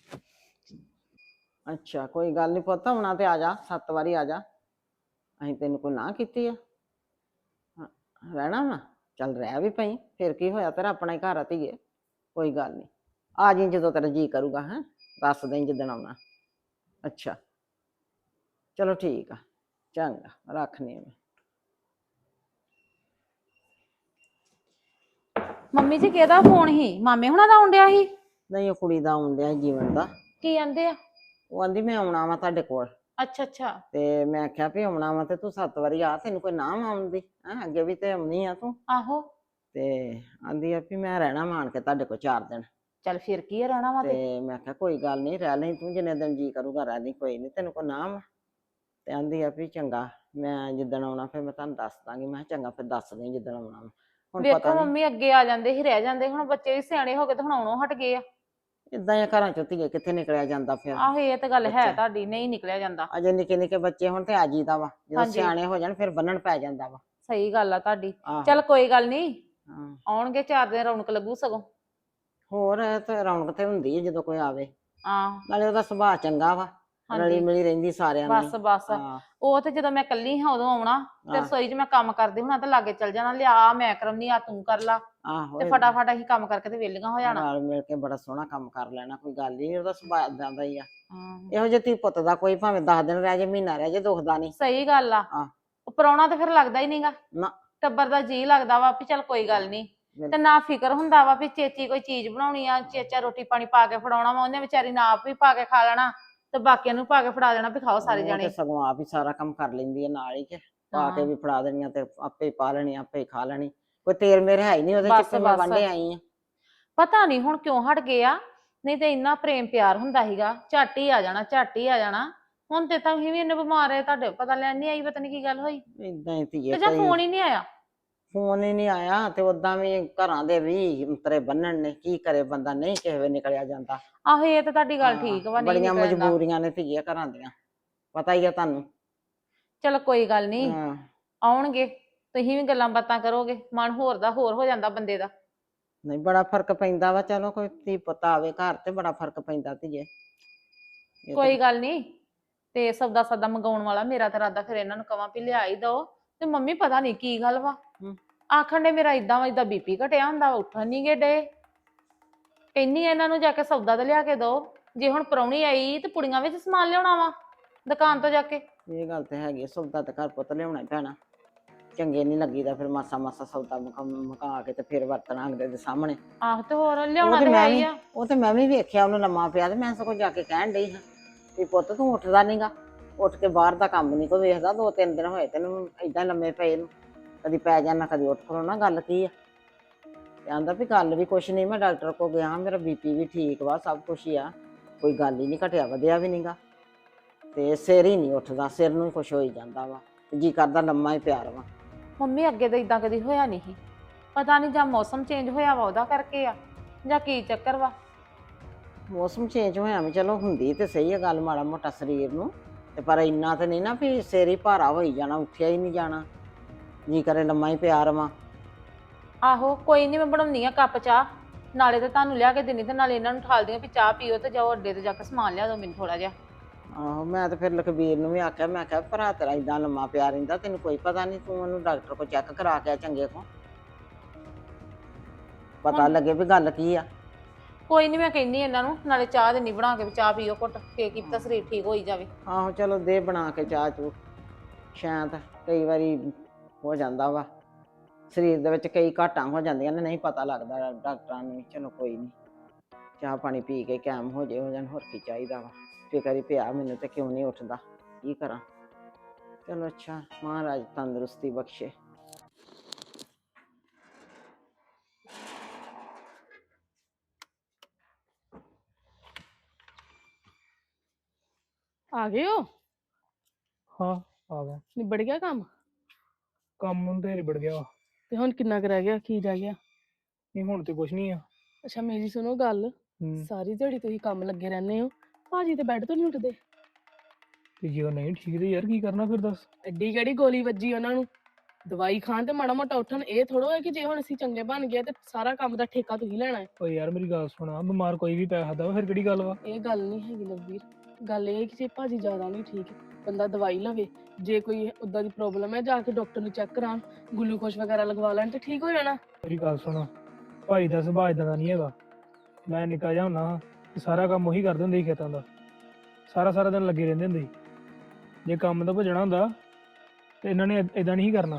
S1: ਅੱਛਾ ਕੋਈ ਗੱਲ ਨਹੀਂ ਪੁੱਤ, ਆਉਣਾ ਤੇ ਆ ਜਾ, ਸੱਤ ਵਾਰੀ ਆ ਜਾ, ਅਸੀਂ ਤੈਨੂੰ ਕੋਈ ਨਾ ਕੀਤੀ ਆ। ਹਾਂ, ਰਹਿਣਾ ਵਾ, ਚੱਲ ਰਹਿ ਵੀ ਪਈ, ਫਿਰ ਕੀ ਹੋਇਆ, ਤੇਰਾ ਆਪਣਾ ਹੀ ਘਰ ਆ ਧੀਏ, ਕੋਈ ਗੱਲ ਨਹੀਂ। ਆ ਜੀ ਜਦੋਂ ਤੇਰਾ ਜੀਅ ਕਰੂਗਾ, ਹੈਂ ਦੱਸ ਦੇਈਂ ਜਿੱਦਣ ਆਉਣਾ। ਅੱਛਾ ਚਲੋ ਠੀਕ ਆ, ਚੰਗਾ ਰੱਖਨੀ ਮੈਂ।
S4: ਮੰਮੀ ਜੀ ਕਿਹਦਾ ਫੋਨ ਸੀ? ਮਾਮੇ ਹੁਣਾਂ ਦਾ ਆਉਣ ਡਿਆ ਸੀ?
S1: ਨਹੀਂ ਉਹ ਕੁੜੀ ਦਾ ਆਉਣ ਡਿਆ ਸੀ ਜੀਵਨ ਦਾ।
S4: ਕੀ ਕਹਿੰਦੇ ਆ?
S1: ਉਹ ਆਂਦੀ ਮੈਂ ਆਉਣਾ ਵਾ ਤੁਹਾਡੇ ਕੋਲ,
S4: ਅੱਛਾ ਅੱਛਾ।
S1: ਤੇ ਮੈਂ ਆਖਿਆ ਵੀ ਆਉਣਾ ਵਾ ਤੇ ਤੂੰ ਸੱਤ ਵਾਰੀ ਆ, ਤੈਨੂੰ ਕੋਈ ਨਾ ਆਉਣ ਦੀ ਹੈਂ, ਅੱਗੇ ਵੀ ਤੇ ਆਉਣੀ ਆ ਤੂੰ।
S4: ਆਹੋ।
S1: ਤੇ ਆਂਦੀ ਆ ਵੀ ਮੈਂ ਰਹਿਣਾ ਮਾਣ ਕੇ ਤੁਹਾਡੇ ਕੋਲ ਚਾਰ ਦਿਨ।
S4: ਚੱਲ ਫਿਰ ਕੀ ਆ, ਰਹਿਣਾ ਵਾ ਤੇ।
S1: ਤੇ ਮੈਂ ਕਿਹਾ ਕੋਈ ਗੱਲ ਨਹੀਂ, ਰਹਿ ਲਈ ਤੂੰ, ਜਿੰਨੇ ਦਿਨ ਜੀ ਕਰੂਗਾ ਰਹਿ ਲਈ, ਕੋਈ ਨਹੀਂ, ਤੈਨੂੰ ਕੋਈ ਨਾ ਵਾ। ਤੇ ਆਂਦੀ ਆ ਵੀ ਚੰਗਾ, ਮੈਂ ਜਿੱਦਣ ਆਉਣਾ ਫਿਰ ਮੈਂ ਤੁਹਾਨੂੰ ਦੱਸ ਦਾਂਗੀ। ਮੈਂ ਕਿਹਾ ਚੰਗਾ ਫਿਰ ਦੱਸ ਦੇਈਂ ਜਿੱਦਣ ਆਉਣਾ ਵਾ। ਹੁਣ ਪਤਾ
S4: ਵੇਖੋ
S1: ਨਹੀਂ
S4: ਮੰਮੀ, ਅੱਗੇ ਆ ਜਾਂਦੇ ਸੀ ਰਹਿ ਜਾਂਦੇ, ਹੁਣ ਬੱਚੇ ਵੀ ਸਿਆਣੇ ਹੋ ਗਏ ਤੇ ਹੁਣ ਆਉਣੋਂ ਹਟ ਗਏ ਆ।
S1: ਇਦਾਂ ਹੀ ਘਰਾਂ ਚੋਂ ਧੀਏ ਕਿੱਥੇ ਨਿਕਲਿਆ ਜਾਂਦਾ ਫਿਰ।
S4: ਆਹੋ ਇਹ ਤਾਂ ਗੱਲ ਹੈ
S1: ਬੱਚਾ।
S4: ਤੁਹਾਡੀ, ਨਹੀਂ ਨਿਕਲਿਆ ਜਾਂਦਾ।
S1: ਅਜੇ ਨਿੱਕੇ ਨਿੱਕੇ ਬੱਚੇ ਹੁਣ ਤੇ ਆ ਜੀਦਾ ਵਾ, ਜਦੋਂ
S4: ਹਾਂਜੀ।
S1: ਸਿਆਣੇ ਹੋ ਜਾਣ ਫਿਰ ਬੰਨਣ ਪੈ ਜਾਂਦਾ ਵਾ।
S4: ਸਹੀ ਗੱਲ ਆ ਤੁਹਾਡੀ।
S1: ਆਹੋ।
S4: ਚੱਲ ਕੋਈ ਗੱਲ ਨਹੀਂ,
S1: ਹਾਂ।
S4: ਆਉਣਗੇ ਚਾਰ ਦਿਨ, ਰੌਣਕ ਲੱਗੂ ਸਗੋਂ।
S1: ਹੋਰ ਇਹ ਤੇ ਰੌਣਕ ਤੇ ਹੁੰਦੀ ਹੈ ਜਦੋਂ ਕੋਈ ਆਵੇ।
S4: ਆਹ
S1: ਨਾਲੇ ਉਹਦਾ ਸੁਭਾਅ ਚੰਗਾ ਵਾ, ਰਲੀ
S4: ਹਾਂਜੀ
S1: ਮਿਲੀ ਰਹਿੰਦੀ ਸਾਰਿਆਂ ਨਾਲ।
S4: ਬਸ ਬਸ।
S1: ਹਾਂ
S4: ਉਹ ਤੇ ਜਦੋਂ ਮੈਂ ਕੱਲੀ ਹਾਂ ਉਦੋਂ ਆਉਣਾ, ਤੇ
S1: ਹਾਂ।
S4: ਰਸੋਈ 'ਚ ਮੈਂ ਕੰਮ ਕਰਦੀ ਹੁਣਾ ਤੇ ਲਾਗੇ ਚੱਲ ਜਾਣਾ, ਲਿਆ ਮੈਂ ਕਰਾਉਣੀ ਆ, ਤੂੰ ਕਰ ਲਾ,
S1: ਆਹੋ
S4: ਤੇ
S1: ਏਦਾਂ।
S4: ਫਟਾਫਟ ਅਸੀਂ ਕੰਮ ਕਰਕੇ ਤੇ ਵਿਹਲੀਆਂ ਹੋ ਜਾਣਾ।
S1: ਰਲ ਮਿਲ ਕੇ ਬੜਾ ਸੋਹਣਾ ਕੰਮ ਕਰ ਲੈਣਾ, ਕੋਈ ਗੱਲ ਨਹੀਂ, ਉਹਦਾ ਸੁਭਾਅ ਏਦਾਂ ਦਾ ਹੀ ਆ।
S4: ਹਾਂ
S1: ਇਹੋ ਜਿਹੇ ਧੀ ਪੁੱਤ ਦਾ ਕੋਈ ਭਾਵੇਂ ਦਸ ਦਿਨ ਰਹਿ ਜੇ, ਮਹੀਨਾ ਰਹਿ ਜੇ, ਦੁਖਦਾ ਨਹੀਂ।
S4: ਸਹੀ ਗੱਲ ਆ।
S1: ਹਾਂ।
S4: ਉਹ ਪ੍ਰਾਹੁਣਾ ਤੇ ਫਿਰ ਲੱਗਦਾ ਹੀ ਨਹੀਂਗਾ,
S1: ਨਾ
S4: ਟੱਬਰ ਦਾ ਜੀ ਲੱਗਦਾ ਵਾ ਵੀ ਚੱਲ ਕੋਈ ਗੱਲ ਨਹੀਂ। ਤੇ ਨਾ ਫਿਕਰ ਹੁੰਦਾ ਵਾ ਵੀ ਚੇਚੀ ਕੋਈ ਚੀਜ਼ ਬਣਾਉਣੀ ਆ, ਚੇਚਾ ਰੋਟੀ ਪਾਣੀ ਪਾ ਕੇ ਫੜਾਉਣਾ ਵਾ, ਉਹਨੇ ਵਿਚਾਰੀ ਨੇ ਆਪ ਵੀ ਪਾ ਕੇ ਖਾ ਲੈਣਾ ਤੇ ਬਾਕੀਆਂ ਨੂੰ ਪਾ ਕੇ ਫੜਾ ਦੇਣਾ ਵੀ ਖਾਓ ਸਾਰੇ
S1: ਉਹ ਤੇ
S4: ਜਾਣੇ।
S1: ਸਗੋਂ ਆਪ ਹੀ ਸਾਰਾ ਕੰਮ ਕਰ ਲੈਂਦੀ ਹੈ ਨਾਲ ਹੀ, ਕਿ ਪਾ ਕੇ ਵੀ ਫੜਾ ਦੇਣੀਆਂ ਤੇ ਆਪੇ ਹੀ ਪਾ ਲੈਣੀ, ਆਪੇ ਹੀ ਖਾ ਲੈਣੀ। ਕੋਈ ਤੇਲ ਮੇਰੇ ਹੈ ਹੀ ਨਹੀਂ ਉਹਦੇ ਚ,
S4: ਬਸ
S1: ਕਿ ਮੈਂ
S4: ਬਸ।
S1: ਵਾਂਢੇ ਆਈ ਆ।
S4: ਪਤਾ ਨਹੀਂ ਹੁਣ ਕਿਉਂ ਹਟ ਗਏ ਆ, ਨਹੀਂ ਤੇ ਇੰਨਾ ਪ੍ਰੇਮ ਪਿਆਰ ਹੁੰਦਾ ਸੀਗਾ, ਝੱਟ ਹੀ ਆ ਜਾਣਾ, ਝੱਟ ਹੀ ਆ ਜਾਣਾ। ਹੁਣ ਤੇ ਤਾਂ ਵੀ ਇੰਨੇ ਬਿਮਾਰ ਹੈ, ਤੁਹਾਡੇ ਪਤਾ ਲੈਣ ਨਹੀਂ ਆਈ, ਪਤਾ ਨਹੀਂ ਕੀ ਗੱਲ ਹੋਈ।
S1: ਏਦਾਂ ਹੀ ਧੀਏ
S4: ਤੇ ਜਾਂ
S1: ਕਈ
S4: ਫੋਨ ਹੀ ਨਹੀਂ ਆਇਆ।
S1: ਫੋਨ ਹੀ ਨਹੀਂ ਆਇਆ, ਤੇ ਓਦਾਂ ਵੀ ਘਰਾਂ ਦੇ ਵੀ ਅੰਤਰੇ ਬੰਨਣ ਨੇ, ਕੀ ਕਰੇ ਬੰਦਾ, ਨਹੀਂ ਕਿਸੇ ਵੇ ਨਿਕਲਿਆ ਜਾਂਦਾ।
S4: ਆਹੋ ਇਹ ਤਾਂ ਤੁਹਾਡੀ ਗੱਲ
S1: ਹਾਂ,
S4: ਠੀਕ ਵਾ, ਨਹੀਂ
S1: ਬੜੀਆਂ
S4: ਨਿਕਲਿਆ ਜਾਂਦਾ।
S1: ਮਜਬੂਰੀਆਂ ਨੇ ਧੀਏ ਘਰਾਂ ਦੀਆਂ, ਪਤਾ ਹੀ ਆ ਤੁਹਾਨੂੰ।
S4: ਚਲੋ ਕੋਈ ਗੱਲ ਨਹੀਂ,
S1: ਹਾਂ
S4: ਆਉਣਗੇ, ਤੁਸੀਂ ਵੀ ਗੱਲਾਂ ਬਾਤਾਂ ਕਰੋਗੇ, ਮਨ ਹੋਰ ਦਾ ਹੋਰ ਹੋ ਜਾਂਦਾ ਬੰਦੇ ਦਾ।
S1: ਨਹੀਂ ਬੜਾ ਫਰਕ ਪੈਂਦਾ ਵਾ, ਚਲੋ ਕੋਈ ਧੀ ਪੁੱਤ ਆਵੇ ਘਰ ਤੇ ਬੜਾ ਫਰਕ ਪੈਂਦਾ ਧੀਏ। ਇਹ
S4: ਕੋਈ
S1: ਤਾਂ-
S4: ਗੱਲ ਨਹੀਂ, ਤੇ ਸੌਦਾ ਸੌਦਾ ਮੰਗਾਉਣ ਵਾਲਾ ਮੇਰਾ ਤਾਂ ਇਰਾਦਾ ਫਿਰ ਇਹਨਾਂ ਨੂੰ ਕਵਾਂ ਵੀ ਲਿਆ ਹੀ ਦੋ। ਤੇ ਮੰਮੀ ਪਤਾ ਨਹੀਂ ਕੀ ਗੱਲ ਵਾ,
S1: ਹਮ।
S4: ਆਖਣ ਦੇ ਮੇਰਾ ਇਦਾਂ ਵਾ ਇਦਾਂ ਬੀਪੀ ਘਟਿਆ ਹੁੰਦਾ, ਉੱਠਣ ਨਹੀਂ ਗੇ ਡੇ। ਕਹਿੰਨੀ ਇਹਨਾਂ ਨੂੰ ਜਾ ਕੇ ਸੌਦਾ ਤਾਂ ਲਿਆ ਕੇ ਦੋ, ਜੇ ਹੁਣ ਪ੍ਰਾਹੁਣੀ ਆਈ ਤੇ ਪੁੜੀਆਂ ਵਿੱਚ ਸਮਾਨ ਲਿਆਉਣਾ ਵਾ ਦੁਕਾਨ ਤੋਂ ਜਾ ਕੇ।
S1: ਇਹ ਗੱਲ ਤੇ ਹੈਗੀ, ਸੌਦਾ ਤੇ ਘਰ ਪੁੱਤ ਲਿਆਉਣਾ ਹੀ ਪੈਣਾ, ਚੰਗੇ ਨਹੀਂ ਲੱਗੀਦਾ ਫਿਰ ਮਾਸਾ ਮਾਸਾ ਸੌਦਾ ਮੁਕਾ ਮੁਕਾ ਕੇ ਤੇ ਫਿਰ ਵਰਤਣਾ ਅਗਲੇ ਦੇ ਸਾਹਮਣੇ।
S4: ਆਹੋ ਤੇ ਹੋਰ
S1: ਉਹ
S4: ਲਿਆਉਣਾ
S1: ਤੇ
S4: ਤੇ ਹੈ
S1: ਮੈਂ
S4: ਹੀ
S1: ਵੀ
S4: ਆ।
S1: ਉਹ ਤੇ ਮੈਂ ਵੀ ਵੇਖਿਆ ਉਹਨੂੰ ਲੰਮਾ ਪਿਆ, ਤੇ ਮੈਂ ਸਗੋਂ ਜਾ ਕੇ ਕਹਿਣ ਡਈ ਹਾਂ ਵੀ ਪੁੱਤ ਤੂੰ ਉੱਠਦਾ ਨਹੀਂਗਾ, ਉੱਠ ਕੇ ਬਾਹਰ ਦਾ ਕੰਮ ਨਹੀਂ ਕੋਈ ਵੇਖਦਾ, ਦੋ ਤਿੰਨ ਦਿਨ ਹੋਏ ਤੈਨੂੰ ਏਦਾਂ ਲੰਮੇ ਪਏ ਨੂੰ, ਕਦੀ ਪੈ ਜਾਣਾ ਕਦੀ ਉੱਠ ਖਲੋਣਾ, ਗੱਲ ਕੀ ਆ। ਤੇ ਆਂਦਾ ਵੀ ਗੱਲ ਵੀ ਕੁਛ ਨਹੀਂ, ਮੈਂ ਡਾਕਟਰ ਕੋਲ ਗਿਆ, ਮੇਰਾ ਬੀਪੀ ਵੀ ਠੀਕ ਵਾ, ਸਭ ਕੁਛ ਹੀ ਆ, ਕੋਈ ਗੱਲ ਹੀ ਨਹੀਂ, ਘਟਿਆ ਵਧਿਆ ਵੀ ਨਹੀਂਗਾ, ਤੇ ਸਿਰ ਹੀ ਨਹੀਂ ਉੱਠਦਾ, ਸਿਰ ਨੂੰ ਹੀ ਕੁਛ ਹੋਈ ਜਾਂਦਾ ਵਾ, ਜੀ ਕਰਦਾ ਲੰਮਾ ਹੀ ਪਿਆ ਰਵਾਂ।
S4: ਮੰਮੀ ਅੱਗੇ ਤਾਂ ਇਦਾਂ ਕਦੀ ਹੋਇਆ ਨਹੀਂ ਸੀ, ਪਤਾ ਨਹੀਂ ਜਾਂ ਮੌਸਮ ਚੇਂਜ ਹੋਇਆ ਵਾ ਉਹਦਾ ਕਰਕੇ ਆ, ਜਾਂ ਕੀ ਚੱਕਰ ਵਾ।
S1: ਮੌਸਮ ਚੇਂਜ ਹੋਇਆ ਵੀ ਚਲੋ ਹੁੰਦੀ ਤੇ ਸਹੀ ਆ ਗੱਲ, ਮਾੜਾ ਮੋਟਾ ਸਰੀਰ ਨੂੰ, ਤੇ ਪਰ ਇੰਨਾ ਤੇ ਨਹੀਂ ਨਾ ਵੀ ਸਿਰ ਹੀ ਭਾਰਾ ਹੋਈ ਜਾਣਾ, ਉੱਠਿਆ ਹੀ ਨਹੀਂ ਜਾਣਾ, ਜੀ ਕਰੇ ਲੰਮਾ ਹੀ ਪਿਆ ਰਵਾਂ।
S4: ਆਹੋ ਕੋਈ ਨਹੀਂ, ਮੈਂ ਬਣਾਉਣੀ ਆ ਕੱਪ ਚਾਹ ਨਾਲੇ ਤਾਂ ਤੁਹਾਨੂੰ ਲਿਆ ਕੇ ਦੇਣੀ ਤੇ ਨਾਲੇ ਇਹਨਾਂ ਨੂੰ ਠਾਲਦੀਆਂ ਵੀ ਚਾਹ ਪੀਓ ਤੇ ਜਾਓ ਅੱਡੇ ਤੇ ਜਾ ਕੇ ਸਮਾਨ ਲਿਆ ਦਿਓ ਮੈਨੂੰ ਥੋੜਾ ਜਿਹਾ।
S1: ਆਹੋ ਮੈਂ ਤਾਂ ਫਿਰ ਲਖਬੀਰ ਨੂੰ ਵੀ ਆਖਿਆ, ਮੈਂ ਕਿਹਾ ਭਰਾ ਤੇਰਾ ਏਦਾਂ ਲੰਮਾ ਪਿਆ ਰਹਿੰਦਾ, ਤੈਨੂੰ ਕੋਈ ਪਤਾ ਨਹੀਂ, ਤੂੰ ਉਹਨੂੰ ਡਾਕਟਰ ਕੋਲ ਚੈੱਕ ਕਰਾ ਕੇ ਆ ਚੰਗੇ ਕੋ, ਪਤਾ
S4: ਹੁਣ
S1: ਲੱਗੇ ਵੀ ਗੱਲ ਕੀ ਆ।
S4: ਕੋਈ ਨਹੀਂ, ਮੈਂ ਕਹਿੰਦੀ ਇਹਨਾਂ ਨੂੰ ਨਾਲੇ ਚਾਹ ਦੇਣੀ ਬਣਾ ਕੇ ਵੀ ਚਾਹ ਪੀਓ ਘੁੱਟ ਕੇ, ਕੀ ਪਤਾ ਸਰੀਰ ਠੀਕ ਹੋਈ ਜਾਵੇ।
S1: ਆਹੋ ਚਲੋ ਦੇ ਬਣਾ ਕੇ ਚਾਹ ਚੂ, ਸ਼ਾਇਦ ਕਈ ਵਾਰੀ ਹੋ ਜਾਂਦਾ ਵਾ ਸਰੀਰ ਦੇ ਵਿੱਚ ਕਈ ਘਾਟਾਂ ਹੋ ਜਾਂਦੀਆਂ ਨੇ, ਨਹੀਂ ਪਤਾ ਲੱਗਦਾ ਡਾਕਟਰਾਂ ਨੂੰ ਵੀ। ਚਲੋ ਕੋਈ ਨਹੀਂ, ਚਾਹ ਪਾਣੀ ਪੀ ਕੇ ਕਾਇਮ ਹੋ ਜੇ ਹੋ ਜਾਣ, ਹੋਰ ਕੀ ਚਾਹੀਦਾ ਵਾ। ਫਿਕਰ ਹੀ ਪਿਆ ਮੈਨੂੰ ਤੇ ਕਿਉਂ ਨਹੀਂ ਉੱਠਦਾ, ਕੀ ਕਰਾਂ। ਚਲੋ ਅੱਛਾ, ਮਹਾਰਾਜ ਤੰਦਰੁਸਤੀ ਬਖਸ਼ੇ।
S3: ਆ ਗਏ ਹੋ?
S2: ਹਾਂ ਆ ਗਿਆ।
S3: ਨਿਬੜ ਗਿਆ ਕੰਮ?
S2: ਕੰਮ ਹੁਣ ਤੇ ਨਿਬੜ ਗਿਆ ਵਾ।
S3: ਤੇ ਹੁਣ ਕਿੰਨਾ ਕੁ ਰਹਿ ਗਿਆ, ਕੀ ਰਹਿ ਗਿਆ?
S2: ਨਹੀਂ ਹੁਣ ਤੇ ਕੁਛ ਨਹੀਂ ਆ।
S3: ਅੱਛਾ ਮੇਰੀ ਸੁਣੋ ਗੱਲ,
S2: ਹੂੰ।
S3: ਸਾਰੀ ਦਿਹਾੜੀ ਤੁਸੀਂ ਕੰਮ ਲੱਗੇ ਰਹਿੰਦੇ ਹੋ, ਭਾਜੀ ਤੇ ਬੈੱਡ ਤੋਂ ਨਹੀਂ ਉੱਠਦੇ?
S2: ਤੇ ਜੇ ਉਹ ਨਹੀਂ ਠੀਕ ਤੇ ਯਾਰ ਕੀ ਕਰਨਾ ਫਿਰ ਦੱਸ।
S3: ਐਡੀ ਕਿਹੜੀ ਗੋਲੀ ਵੱਜੀ ਉਹਨਾਂ ਨੂੰ, ਦਵਾਈ ਖਾਣ ਤੇ ਮਾੜਾ ਮੋਟਾ ਉੱਠਣ। ਇਹ ਥੋੜੋ ਹੈ ਕਿ ਜੇ ਹੁਣ ਅਸੀਂ ਚੰਗੇ ਬਣ ਗਏ ਤੇ ਸਾਰਾ ਕੰਮ ਦਾ ਠੇਕਾ ਤੁਸੀਂ ਲੈਣਾ ਹੈ।
S2: ਓ ਯਾਰ ਮੇਰੀ ਗੱਲ ਸੁਣਾ, ਬਿਮਾਰ ਕੋਈ ਵੀ ਪੈ ਸਕਦਾ ਵਾ, ਫਿਰ ਕਿਹੜੀ ਗੱਲ ਵਾ।
S3: ਇਹ ਗੱਲ ਨਹੀਂ ਹੈਗੀ ਲਵਵੀਰ, ਗੱਲ ਇਹ ਹੈ ਕਿ ਜੇ ਭਾਜੀ ਜ਼ਿਆਦਾ ਨਹੀਂ ਠੀਕ, ਬੰਦਾ ਦਵਾਈ ਲਵੇ। ਜੇ ਕੋਈ ਉੱਦਾਂ ਦੀ ਪ੍ਰੋਬਲਮ ਹੈ ਜਾ ਕੇ ਡਾਕਟਰ ਨੂੰ ਚੈੱਕ ਕਰਾਉਣ, ਗਲੂਕੋਜ਼ ਵਗੈਰਾ ਲਗਵਾ ਲੈਣ ਤੇ ਠੀਕ ਹੋ ਜਾਣਾ।
S2: ਮੇਰੀ ਗੱਲ ਸੁਣ, ਭਾਈ ਦਾ ਸੁਭਾਅ ਏਦਾਂ ਦਾ ਨਹੀਂ ਹੈਗਾ। ਮੈਂ ਨਿੱਕਾ ਜਿਹਾ ਹੁੰਦਾ ਹਾਂ ਤੇ ਸਾਰਾ ਕੰਮ ਉਹੀ ਕਰਦੇ ਹੁੰਦੇ ਸੀ ਖੇਤਾਂ ਦਾ, ਸਾਰਾ ਸਾਰਾ ਦਿਨ ਲੱਗੇ ਰਹਿੰਦੇ ਹੁੰਦੇ ਸੀ। ਜੇ ਕੰਮ ਤੋਂ ਭੱਜਣਾ ਹੁੰਦਾ ਤੇ ਇਹਨਾਂ ਨੇ ਏਦਾਂ ਨਹੀਂ ਕਰਨਾ।